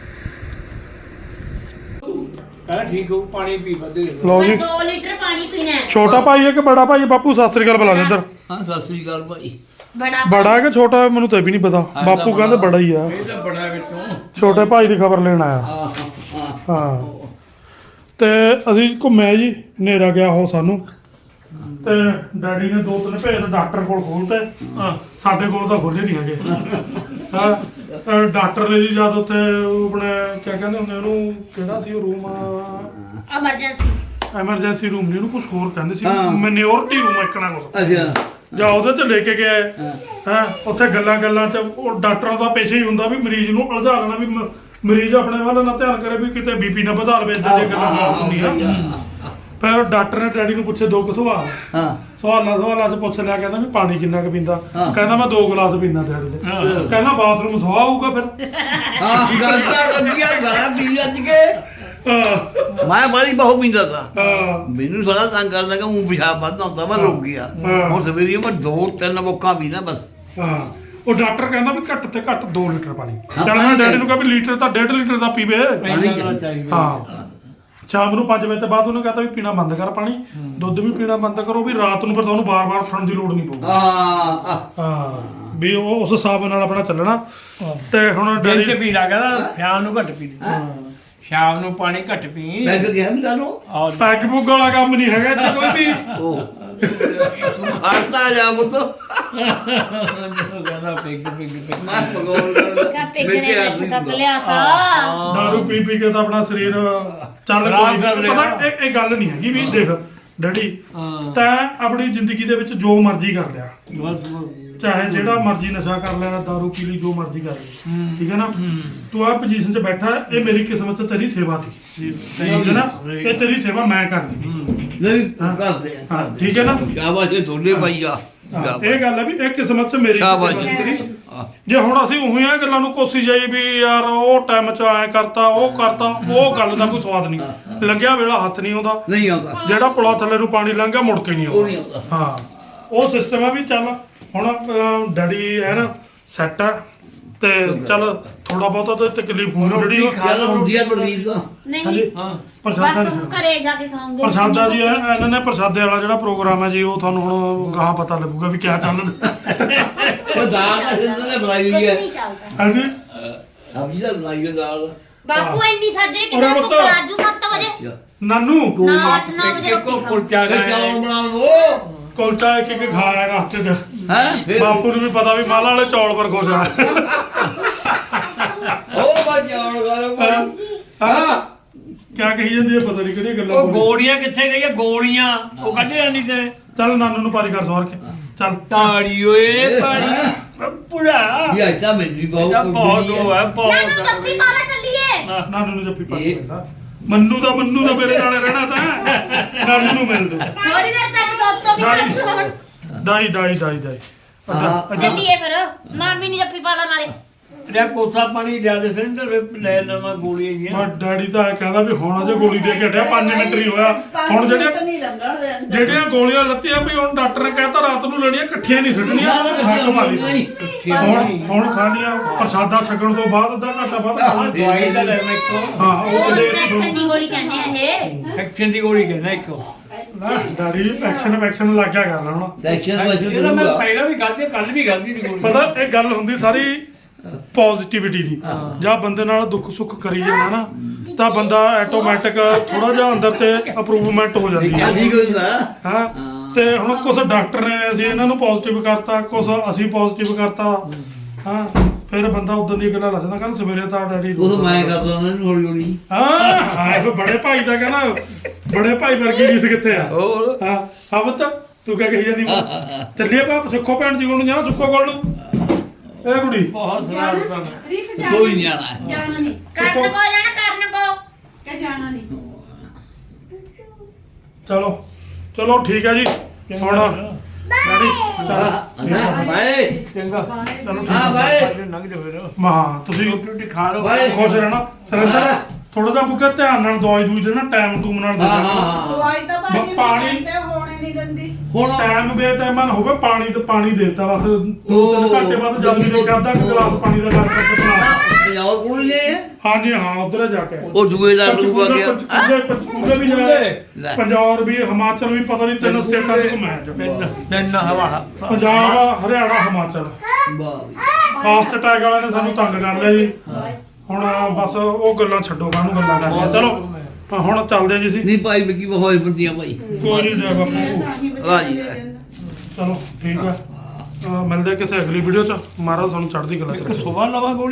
Speaker 4: ਕਹਿੰਦਾ ਠੀਕ ਹੋ ਪਾਣੀ ਪੀ ਵਧੇ
Speaker 1: ਲਓ ਜੀ,
Speaker 2: ਦੋ ਲੀਟਰ ਪਾਣੀ ਪੀਣਾ ਹੈ।
Speaker 1: ਛੋਟਾ ਭਾਈ ਹੈ ਕਿ ਬੜਾ ਭਾਈ? ਬਾਪੂ ਸਤਿ ਸ੍ਰੀ ਅਕਾਲ ਬੁਲਾ ਦੇ ਇੱਧਰ।
Speaker 4: ਹਾਂ ਸਤਿ ਸ੍ਰੀ ਅਕਾਲ ਭਾਈ
Speaker 2: ਬੜਾ
Speaker 1: ਬੜਾ ਹੈ ਕਿ ਛੋਟਾ ਹੈ? ਮੈਨੂੰ ਤਾਂ ਇਹ ਵੀ ਨਹੀਂ ਪਤਾ। ਬਾਪੂ ਕਹਿੰਦੇ ਬੜਾ ਹੀ ਆ।
Speaker 4: ਇਹ ਤਾਂ ਬੜਾ ਵਿੱਚੋਂ
Speaker 1: ਛੋਟੇ ਭਾਈ ਦੀ ਖਬਰ ਲੈਣ ਆਇਆ।
Speaker 4: ਹਾਂ ਹਾਂ
Speaker 1: ਹਾਂ ਤੇ ਅਸੀਂ ਘੁੰਮਿਆ ਜੀ, ਹਨੇਰਾ ਗਿਆ ਹੋ ਸਾਨੂੰ। ਤੇ ਡੈਡੀ ਨੇ ਦੋ ਤਿੰਨ ਭੇਜ ਡਾਕਟਰ ਕੋਲ ਖੋਲਤੇ ਸਾਡੇ ਕੋਲ ਤਾਂ ਖੋਲੇ ਨਹੀਂ ਹੈਗੇ ਹਾਂ ਅਹ ਡਾਕਟਰ ਨੇ ਜੀ ਜਦ ਉੱਥੇ ਉਹ ਆਪਣੇ ਕਿਆ ਕਹਿੰਦੇ ਹੁੰਦੇ ਉਹਨੂੰ ਕਿਹੜਾ ਸੀ ਉਹ ਰੂਮ
Speaker 2: ਐਮਰਜੈਂਸੀ
Speaker 1: ਐਮਰਜੈਂਸੀ ਰੂਮ ਨਹੀਂ ਉਹਨੂੰ ਕੁਝ ਹੋਰ ਕਹਿੰਦੇ ਸੀ
Speaker 6: ਹਾਂ।
Speaker 1: ਮੈਨਿਓਰਟੀ ਰੂਮ ਇੱਕਣਾ ਕੁਛ
Speaker 6: ਅੱਛਾ
Speaker 1: ਜਾਂ ਉਹਦੇ ਚ ਲੈ ਕੇ ਗਏ ਹੈ ਉੱਥੇ ਗੱਲਾਂ ਗੱਲਾਂ ਚ ਉਹ ਡਾਕਟਰਾਂ ਦਾ ਪੇਸ਼ਾ ਹੀ ਹੁੰਦਾ ਵੀ ਮਰੀਜ਼ ਨੂੰ ਉਲਝਾ ਲੈਣਾ ਵੀ ਮ- ਮਰੀਜ਼ ਆਪਣੇ ਵੱਲ ਨਾ ਧਿਆਨ ਕਰੇ ਵੀ ਕਿਤੇ ਬੀਪੀ ਨਾ ਵਧਾ ਲਵੇ ਇਦਾਂ ਦੀਆਂ ਗੱਲਾਂ ਨਾ ਹੁੰਦੀਆਂ ਫਿਰ ਡਾਕਟਰ ਨੇ ਡੈਡੀ ਨੂੰ ਪੁੱਛੇ ਦੋ ਕੁ ਸਵਾਲ
Speaker 6: ਹਾਂ
Speaker 1: ਸਵਾਲਾਂ ਸਵਾਲਾਂ ਚ ਪੁੱਛ ਲਿਆ ਕਹਿੰਦਾ ਵੀ ਪਾਣੀ ਕਿੰਨਾ ਕੁ ਪੀਂਦਾ
Speaker 6: ਹਾਂ।
Speaker 1: ਕਹਿੰਦਾ ਮੈਂ ਦੋ ਗਲਾਸ ਪੀਂਦਾ ਦਿਹਾੜੀ ਦੇ
Speaker 4: ਹਾਂ।
Speaker 1: ਕਹਿੰਦਾ ਬਾਥਰੂਮ ਸਵਾ ਆਊਗਾ ਫਿਰ
Speaker 6: ਹਾਂ ਗੱਲ ਤਾਂ ਵਧੀਆ ਗਲਾ ਪੀ ਅੱਜ ਕੇ
Speaker 1: ਹਾਂ,
Speaker 6: ਮੈਂ ਬੜੀ ਬਹੁਤ ਪੀਂਦਾ ਤਾ
Speaker 1: ਹਾਂ,
Speaker 6: ਮੈਨੂੰ ਸਾਰਾ ਤੰਗ ਕਰਦਾ ਕਿ ਉਹ ਪਿਸ਼ਾਬ ਵੱਧਦਾ ਹੁੰਦਾ ਮੈਂ ਰੁਕ ਗਿਆ
Speaker 1: ਹਾਂ।
Speaker 6: ਹੁਣ ਸਵੇਰੇ ਮੈਂ ਦੋ ਤਿੰਨ ਬੋਕਾਂ ਪੀਣਾ ਬਸ
Speaker 1: ਹਾਂ ਉਹ ਡਾਕਟਰ ਕਹਿੰਦਾ ਵੀ ਘੱਟ ਤੇ ਘੱਟ ਦੋ ਲੀਟਰ ਪਾਣੀ
Speaker 6: ਹਾਂ,
Speaker 1: ਚੱਲ ਮੈਂ
Speaker 6: ਪਾਣੀ
Speaker 1: ਡੈਡੀ ਨੂੰ ਕਿਹਾ ਵੀ ਲੀਟਰ ਤਾਂ ਡੇਢ ਲੀਟਰ ਦਾ ਪੀਵੇ
Speaker 6: ਪਾਣੀ
Speaker 4: ਚਾਹੀਦਾ
Speaker 1: ਹਾਂ ਸ਼ਾਮ ਨੂੰ ਪੰਜ ਵਜੇ ਤੋਂ ਬਾਅਦ ਉਹਨੇ ਕਹਿੰਦਾ ਵੀ ਪੀਣਾ ਬੰਦ ਕਰ ਪਾਣੀ ਦੁੱਧ ਵੀ ਪੀਣਾ ਬੰਦ ਕਰੋ ਵੀ ਰਾਤ ਨੂੰ ਫਿਰ ਤੁਹਾਨੂੰ ਬਾਰ-ਬਾਰ ਉੱਠਣ ਦੀ ਲੋੜ ਨਹੀਂ ਪਊਗੀ
Speaker 6: ਹਾਂ
Speaker 1: ਹਾਂ ਵੀ ਉਹ ਉਸ ਹਿਸਾਬ ਨਾਲ ਆਪਣਾ ਚੱਲਣਾ ਤੇ ਹੁਣ
Speaker 4: ਦਿਨ ਚ
Speaker 1: ਡੈਡੀ
Speaker 4: ਪੀ ਲਾ ਕਹਿੰਦਾ ਸ਼ਾਮ ਨੂੰ ਘੱਟ ਪੀ ਲਈ ਸ਼ਾਮ ਨੂੰ ਪਾਣੀ ਘੱਟ ਪੀ
Speaker 6: ਮੈਂ ਕਿਹਾ ਮੈਂ ਤੁਹਾਨੂੰ
Speaker 4: ਔਰ
Speaker 1: ਪੈਗ ਪੁੱਗ ਵਾਲਾ ਕੰਮ ਨਹੀਂ ਹੈਗਾ ਇੱਥੇ ਕੋਈ ਵੀ
Speaker 6: ਉਹ ਹਰਤਾ ਜਾ ਮੁੱਤ
Speaker 4: ਕਹਿੰਦਾ ਪਿੱਗ ਪਿੱਗ ਪਿੱਗ
Speaker 6: ਮੈਂ ਪਗੋਲ ਕਰਦਾ
Speaker 2: ਕਾ ਪਿਗਨੇ ਨੇ ਤੱਕ ਲਿਆ ਤਾ
Speaker 1: ਦਾਰੂ ਪੀ ਪੀ ਕੇ ਤਾਂ ਆਪਣਾ ਸਰੀਰ ਚੱਲ
Speaker 4: ਖਰਾਬ
Speaker 1: ਕੋਈ
Speaker 4: ਕਰ
Speaker 1: ਨਹੀਂ
Speaker 4: ਰਿਹਾ।
Speaker 1: ਪਤਾ ਇਹ ਇਹ ਗੱਲ ਨਹੀਂ ਹੈਗੀ ਵੀ ਦੇਖ ਡੈਡੀ
Speaker 4: ਹਾਂ
Speaker 1: ਤੈਂ ਆਪਣੀ ਜ਼ਿੰਦਗੀ ਦੇ ਵਿੱਚ ਜੋ ਮਰਜ਼ੀ ਕਰ ਲਿਆ
Speaker 4: ਬਸ
Speaker 1: ਚਾਹੇ ਜਿਹੜਾ ਮਰਜ਼ੀ ਨਸ਼ਾ ਕਰ ਲੈਣਾ ਦਾਰੂ ਪੀ ਲਈ ਜੋ ਮਰਜ਼ੀ ਕਰ ਲਈ
Speaker 4: ਹੂੰ।
Speaker 1: ਠੀਕ ਹੈ ਨਾ ਤੂੰ ਆ ਪੋਜੀਸ਼ਨ 'ਚ ਬੈਠਾ ਇਹ ਮੇਰੀ ਕਿਸਮਤ 'ਚ ਤੇਰੀ ਸੇਵਾ ਸੀ ਠੀਕ ਹੈ ਨਾ ਇਹ ਤੇਰੀ ਸੇਵਾ ਮੈਂ ਕਰਨੀ ਸੀ
Speaker 6: ਨਹੀਂ ਕਰਦੇ
Speaker 1: ਹਾਂ ਠੀਕ ਹੈ ਨਾ
Speaker 6: ਸ਼ਾਬਾਸ਼ ਇਹ ਦੋਲੇ ਭਾਈ ਆ
Speaker 1: ਹਾਂ, ਇਹ ਗੱਲ ਹੈ ਵੀ ਇਹ ਕਿਸਮਤ 'ਚ ਮੇਰੀ
Speaker 6: ਸ਼ਾਬਾਸ਼।
Speaker 1: ਕਿਸਮਤ ਸੀ ਤੇਰੀ ਜੇ ਹੁਣ ਅਸੀਂ ਉਹੀ ਆ ਗੱਲਾਂ ਨੂੰ ਕੋਸੀ ਜਾਈ ਵੀ ਯਾਰ ਉਹ ਟਾਈਮ 'ਚ ਐ ਕਰਤਾ ਉਹ ਕਰਤਾ ਉਹ ਗੱਲ ਦਾ ਕੋਈ ਸਵਾਦ ਨਹੀਂ ਲੰਘਿਆ ਵੇਲਾ ਹੱਥ ਨਹੀਂ ਆਉਂਦਾ
Speaker 6: ਨਹੀਂ ਆਉਂਦਾ
Speaker 1: ਜਿਹੜਾ ਪੁਲਾ ਥੱਲੇ ਨੂੰ ਪਾਣੀ ਲੰਘਿਆ ਮੁੜ ਕੇ ਨਹੀਂ
Speaker 6: ਉਹ ਨਹੀਂ
Speaker 1: ਆਉਂਦਾ
Speaker 6: ਆਉਂਦਾ
Speaker 1: ਹਾਂ ਉਹ ਸਿਸਟਮ ਆ ਵੀ ਚੱਲ ਹੁਣ ਅਹ, ਡੈਡੀ ਹੈ ਨਾ ਸੈੱਟ ਆ ਤੇ ਚੱਲ ਥੋੜਾ ਬਹੁਤਾ ਤਾਂ ਤਕਲੀਫ ਹੋਣੀ ਜਿਹੜੀ ਉਹ-
Speaker 6: ਗੱਲ ਹੁੰਦੀ ਆ ਬਲੀਦ ਦਾ
Speaker 2: ਨਹੀਂ
Speaker 1: ਹਾਂਜੀ
Speaker 4: ਹਾਂ
Speaker 1: ਪ੍ਰਸ਼ਾਦਾ
Speaker 2: ਬਸ
Speaker 1: ਜੀ
Speaker 2: ਘਰੇ ਜਾ ਕੇ ਖਾਉਂਗੇ
Speaker 1: ਪ੍ਰਸ਼ਾਦਾ ਜੀ ਇਹ- ਇਹਨਾਂ ਨੇ ਪ੍ਰਸ਼ਾਦੇ ਵਾਲਾ ਜਿਹੜਾ ਪ੍ਰੋਗਰਾਮ ਹੈ ਜੀ ਉਹ ਤੁਹਾਨੂੰ ਹੁਣ ਗਾਹਾਂ ਪਤਾ ਲੱਗੂਗਾ ਵੀ ਕਿਆ ਚੱਲਦਾ
Speaker 6: ਉਹ ਦਾਲ ਦਾ ਸਿੰਦਰ ਨੇ ਬਣਾਈ ਹੋਈ ਹੈ
Speaker 2: ਨਹੀਂ ਚੱਲਦਾ
Speaker 1: ਹਾਂਜੀ
Speaker 6: ਸਬਜ਼ੀ ਦਾ ਬਣਾਈ ਹੋਈ ਦਾਲ
Speaker 2: ਬਾਪੂ ਇੰਨੀ ਸਾਜਰੇ
Speaker 1: ਉਰੇ
Speaker 2: ਕਿਹੜਾ
Speaker 1: ਪੁੱਤ।
Speaker 2: ਕੋ ਰਾਜੂ ਸੱਤ ਵਜੇ
Speaker 6: ਅੱਛਾ
Speaker 1: ਨਾਨੂ
Speaker 2: ਨਾ ਅੱਠ ਨੌ ਵਜੇ
Speaker 4: ਇੱਕ
Speaker 2: ਰੋਟੀ ਖਾਓ
Speaker 4: ਕੁਲਚਾ
Speaker 6: ਫਿਰ
Speaker 4: ਖਾਇਆ
Speaker 6: ਚੌਲ ਬਣਾ ਲਓ
Speaker 1: ਕੁਲਚਾ ਇੱਕ ਇੱਕ ਖਾਇਆ ਰਸਤੇ 'ਚ
Speaker 6: ਹੈ ਫਿਰ
Speaker 1: ਬਾਪੂ ਨੂੰ ਵੀ ਪਤਾ ਵੀ ਮਾਲਾ ਵਾਲੇ ਚੌਲ ਪਰ ਖੁਸ਼ ਆ
Speaker 6: ਉਹ ਬਾ ਚੌਲ ਕਰੋ
Speaker 1: ਹਾਂ ਕਿਆ ਕਹੀ ਜਾਂਦੀ ਹੈ ਪਤਾ ਨਹੀਂ ਕਿਹੜੀਆਂ ਗੱਲਾਂ
Speaker 4: ਉਹ
Speaker 1: ਬੋਲੀ।
Speaker 4: ਗੋਲੀਆਂ ਕਿੱਥੇ ਗਈਆਂ ਗੋਲੀਆਂ ਉਹ ਕੱਢਿਆ ਨਹੀਂ ਤੇ
Speaker 1: ਚੱਲ ਨਾਨੂ ਨੂੰ ਪਾਰੀ ਕਰ ਸਵਾਰ ਕੇ ਚੱਲ
Speaker 4: ਤਾੜੀ ਓਏ ਪਾਣੀ ਪੁੜਾ
Speaker 6: ਇਹ ਆਇਤਾ ਮੈਨੂੰ ਵੀ
Speaker 4: ਇਹਦਾ ਬਹੁਤ
Speaker 6: ਬਹੁਤ
Speaker 4: ਉਹ ਹੈ
Speaker 2: ਨਾਨੂ
Speaker 4: ਬਹੁਤ
Speaker 2: ਜੱਫੀ ਪਾ ਲੈ ਚੱਲੀਏ
Speaker 1: ਨਾਨੂ ਨੂੰ ਜੱਫੀ ਪਾ
Speaker 6: ਇਹ-
Speaker 1: ਲੈਂਦਾ ਮੰਨੂ ਦਾ ਮੰਨੂ ਦਾ ਮੇਰੇ ਨਾਲ ਰਹਿਣਾ ਤਾਂ ਨਾਨੂ ਨੂੰ ਮਿਲ ਦੋ
Speaker 2: ਥੋੜੀ ਦੇਰ ਤੱਕ ਦੁੱਧ ਤੋਂ ਵੀ
Speaker 1: ਦਾਈ
Speaker 2: ਕੱਢ
Speaker 1: ਦਾਈ ਦਾਈ ਦਾਈ ਦਾਈ
Speaker 6: ਹਾਂ।
Speaker 2: ਚੱਲੀਏ ਫਿਰ ਮਾਮੀ ਨੇ ਜੱਫੀ ਪਾ ਲਾ ਨਾਲੇ
Speaker 4: ਰਿਆ ਕੋਸਾ ਪਾਣੀ ਲਿਆ ਦੇ ਸਿੰਦਰ ਲੈ ਲਵਾਂ ਗੋਲੀਆਂ
Speaker 1: ਮੈਂ
Speaker 4: ਜੀਆਂ
Speaker 1: ਡੈਡੀ ਤਾਂ ਇਹ ਕਹਿੰਦਾ ਵੀ ਹੁਣ ਅਜੇ ਗੋਲੀ ਦੇ ਕੇ ਹਟਿਆ ਪੰਜ ਮਿੰਟ ਨਹੀਂ ਹੋਇਆ ਹੁਣ ਜਿਹੜੀਆਂ
Speaker 5: ਨਹੀਂ ਲੰਘਣ ਦੇ
Speaker 1: ਜਿਹੜੀਆਂ ਗੋਲੀਆਂ ਲੱਤੀਆਂ ਵੀ ਹੁਣ ਡਾਕਟਰ ਨੇ ਕਹਿਤਾ ਰਾਤ ਨੂੰ ਲੈਣੀਆਂ ਇਕੱਠੀਆਂ ਨਹੀਂ ਸੁੱਟਣੀਆਂ
Speaker 6: ਨਾ, ਨਾ, ਇਕੱਠੀਆਂ
Speaker 1: ਹੱਕ ਮਾਰੀ
Speaker 6: ਨਹੀਂ।
Speaker 1: ਹੁਣ ਹੁਣ ਖਾਣੀਆਂ ਪ੍ਰਸ਼ਾਦਾ ਛਕਣ ਤੋਂ ਬਾਅਦ ਅੱਧਾ ਘੰਟਾ ਬਾਅਦ ਖਾਣਾ
Speaker 4: ਦਵਾਈ ਦਾ ਲੈ ਮੈਂ ਇੱਕੋ
Speaker 1: ਹਾਂ ਉਹ
Speaker 2: ਉਹ
Speaker 1: ਜਿਹੜੇ
Speaker 2: ਇਨਫੈਕਸ਼ਨ ਦੀ ਗੋਲੀ ਕਹਿੰਦੇ ਆ ਇਹ
Speaker 4: ਐਕਸ਼ਨ ਦੀ ਗੋਲੀ ਕਹਿੰਦਾ ਇੱਕੋ
Speaker 1: ਨਾ ਡੈਡੀ ਐਕਸ਼ਨ ਐਕਸ਼ਨ ਲੱਗ ਗਿਆ ਕਰਨਾ ਹੁਣ
Speaker 6: ਟੈਕਸ਼ਨ ਵਜੂ
Speaker 4: ਇਹਦਾ ਮੈਂ
Speaker 6: ਕਰੂਗਾ
Speaker 4: ਪਹਿਲਾਂ ਵੀ ਖਾਧੀ ਕੱਲ ਵੀ ਖਾਧੀ ਦੀ ਗੋਲੀ
Speaker 1: ਪਤਾ ਇਹ ਗੱਲ ਹੁੰਦੀ ਸਾਰੀ ਪੋਜ਼ਿਟਿਵਿਟੀ ਦੀ ਜਾਂ ਬੰਦੇ ਨਾਲ ਦੁੱਖ ਸੁੱਖ ਕਰੀ ਜਾਣਾ ਨਾ ਤਾਂ ਬੰਦਾ ਆਟੋਮੈਟਿਕ ਥੋੜਾ ਜਿਹਾ ਅੰਦਰ ਤੇ ਅਪਰੂਵਮੈਂਟ ਹੋ ਜਾਂਦੀ
Speaker 6: ਕਿਆ
Speaker 1: ਹੈ
Speaker 6: ਠੀਕ ਹੁੰਦਾ
Speaker 1: ਹਾਂ ਤੇ ਹੁਣ ਕੁਝ ਡਾਕਟਰ ਨੇ ਅਸੀਂ ਇਹਨਾਂ ਨੂੰ ਪੋਜ਼ਿਟਿਵ ਕਰਤਾ ਕੁਝ ਅਸੀਂ ਪੋਜ਼ਿਟਿਵ ਕਰਤਾ ਹਾਂ ਫਿਰ ਬੰਦਾ ਉਦੋਂ ਦੀ ਗੱਲਾਂ ਲੱਜਦਾ ਕੱਲ ਸਵੇਰੇ ਤਾਂ ਡੈਡੀ
Speaker 6: ਉਹ ਤਾਂ ਮੈਂ ਕਰਦਾ ਉਹਨਾਂ ਨੂੰ ਹੌਲੀ ਹੌਲੀ
Speaker 1: ਹਾਂ ਆਏ ਕੋ ਬੜੇ ਭਾਈ ਦਾ ਕਹਿੰਦਾ ਬੜੇ ਭਾਈ ਵਰਗੀ ਰੀਸ ਕਿੱਥੇ ਆ
Speaker 6: ਹੋਰ
Speaker 1: ਹਾਂ ਹਵਤ ਤੂੰ ਕਿਆ ਕਹੀ ਜਾਂਦੀ ਚੱਲੀਏ ਬਾਪ ਸੁੱਖੋ ਭੈਣ ਜੀ ਕੋਲ ਨੂੰ ਜਾਣਾ ਸੁੱਖੋ ਕੋਲ ਨੂੰ ਇਹ ਕੁੜੀ
Speaker 4: ਬਹੁਤ ਸਰਾਰ ਸਨ
Speaker 5: ਰੀਤ
Speaker 6: ਕੋਈ ਨਹੀਂ ਆਣਾ ਹੈ।
Speaker 5: ਜਾਣਾ ਨਹੀਂ
Speaker 2: ਕਰਨ ਕੋ ਜਾਣਾ ਕਰਨ ਕੋ
Speaker 5: ਕਿ ਜਾਣਾ ਨਹੀਂ
Speaker 1: ਚਲੋ ਚਲੋ ਠੀਕ ਹੈ ਜੀ ਹੁਣ ਡੈਡੀ ਚਲੋ
Speaker 6: ਹਾਂ ਬਾਏ
Speaker 4: ਚੰਗਾ
Speaker 1: ਚਲੋ
Speaker 6: ਹਾਂ ਬਾਏ
Speaker 4: ਲੰਘ ਜਾ ਫਿਰ
Speaker 1: ਮਾ ਤੁਸੀਂ
Speaker 4: ਰੋਟੀ ਰੋਟੀ ਖਾ ਲਓ
Speaker 6: ਬਾਏ।
Speaker 1: ਖੁਸ਼ ਰਹਿਣਾ ਸਰਿੰਦਰ ਥੋੜਾ ਜਿਹਾ ਬੁੱਕਾ ਧਿਆਨ ਨਾਲ ਦਵਾਈ ਦੂਈ ਦੇਣਾ ਟਾਈਮ ਟੂਮ ਨਾਲ
Speaker 6: ਹਾਂ
Speaker 1: ਦੇਣਾ
Speaker 6: ਹਾਂ
Speaker 5: ਦਵਾਈ ਤਾਂ ਬਾਜੀ
Speaker 1: ਪਾਣੀ-
Speaker 5: ਤੇ ਹੋਣੇ ਨਹੀਂ ਦਿੰਦੀ
Speaker 6: ਹੁਣ
Speaker 1: ਟਾਈਮ ਬੇ ਟਾਈਮ ਨਾ ਹੋਵੇ ਪਾਣੀ ਤੇ ਪਾਣੀ ਦੇਤਾ ਬਸ ਦੋ ਤਿੰਨ
Speaker 6: ਉਹ-
Speaker 1: ਘੰਟੇ ਬਾਅਦ ਜਦ ਵੀ ਖਾਦਾ ਇੱਕ ਗਲਾਸ ਪਾਣੀ ਦਾ ਕਰ ਕਰਕੇ ਬਣਾ
Speaker 6: ਪੰਜਾਬ ਕੋਲ ਲੈ
Speaker 1: ਹਾਂਜੀ ਹਾਂ ਉਧਰ ਜਾ ਕੇ
Speaker 6: ਉਹ ਜੂਏ ਦਾ ਲੂਗਾ
Speaker 1: ਪੰਚਕੂਲੇ
Speaker 6: ਗਿਆ
Speaker 1: ਪੰਚਕੂਲੇ ਪੰਚਕੂਲੇ ਵੀ ਜਾਏ
Speaker 6: ਲੈ।
Speaker 1: ਪੰਜਾਬ ਵੀ ਹਿਮਾਚਲ ਵੀ ਪਤਾ ਨਹੀਂ ਤਿੰਨ ਸਟੇਟਾਂ ਚ ਘੁੰਮਿਆ ਅੱਜ
Speaker 4: ਤਿੰਨ ਤਿੰਨ ਹਵਾ
Speaker 1: ਪੰਜਾਬ ਹਰਿਆਣਾ ਹਿਮਾਚਲ
Speaker 6: ਵਾਹ
Speaker 1: ਫਾਸਟ ਟੈਗ ਵਾਲਿਆਂ ਨੇ ਸਾਨੂੰ ਤੰਗ ਕਰ ਲਿਆ ਜੀ ਹੁਣ ਬਸ ਉਹ ਗੱਲਾਂ ਛੱਡੋ ਕਾਹਨੂੰ ਗੱਲਾਂ ਕਰਨੀਆਂ ਚਲੋ ਹਾਂ ਹੁਣ ਚੱਲਦੇ ਆ ਜੀ ਅਸੀਂ
Speaker 6: ਨਹੀਂ ਭਾਈ ਵਿੱਕੀ ਬਹੁਤ ਬੰਦੀਆਂ ਭਾਈ
Speaker 1: ਕੋਈ ਨਹੀਂ ਜਾ ਬਾਪੂ
Speaker 6: ਰਾਜੀ
Speaker 1: ਚਲੋ ਠੀਕ ਆ ਅਹ ਮਿਲਦੇ ਆ ਕਿਸੇ ਅਗਲੀ ਵੀਡੀਓ ਚ ਮਹਾਰਾਜ ਤੁਹਾਨੂੰ ਚੜ੍ਹਦੀ ਕਲਾ ਚ ਰੱਖੇ।
Speaker 4: ਸੁਬਾਹ ਲਵਾ ਗੋਲੀ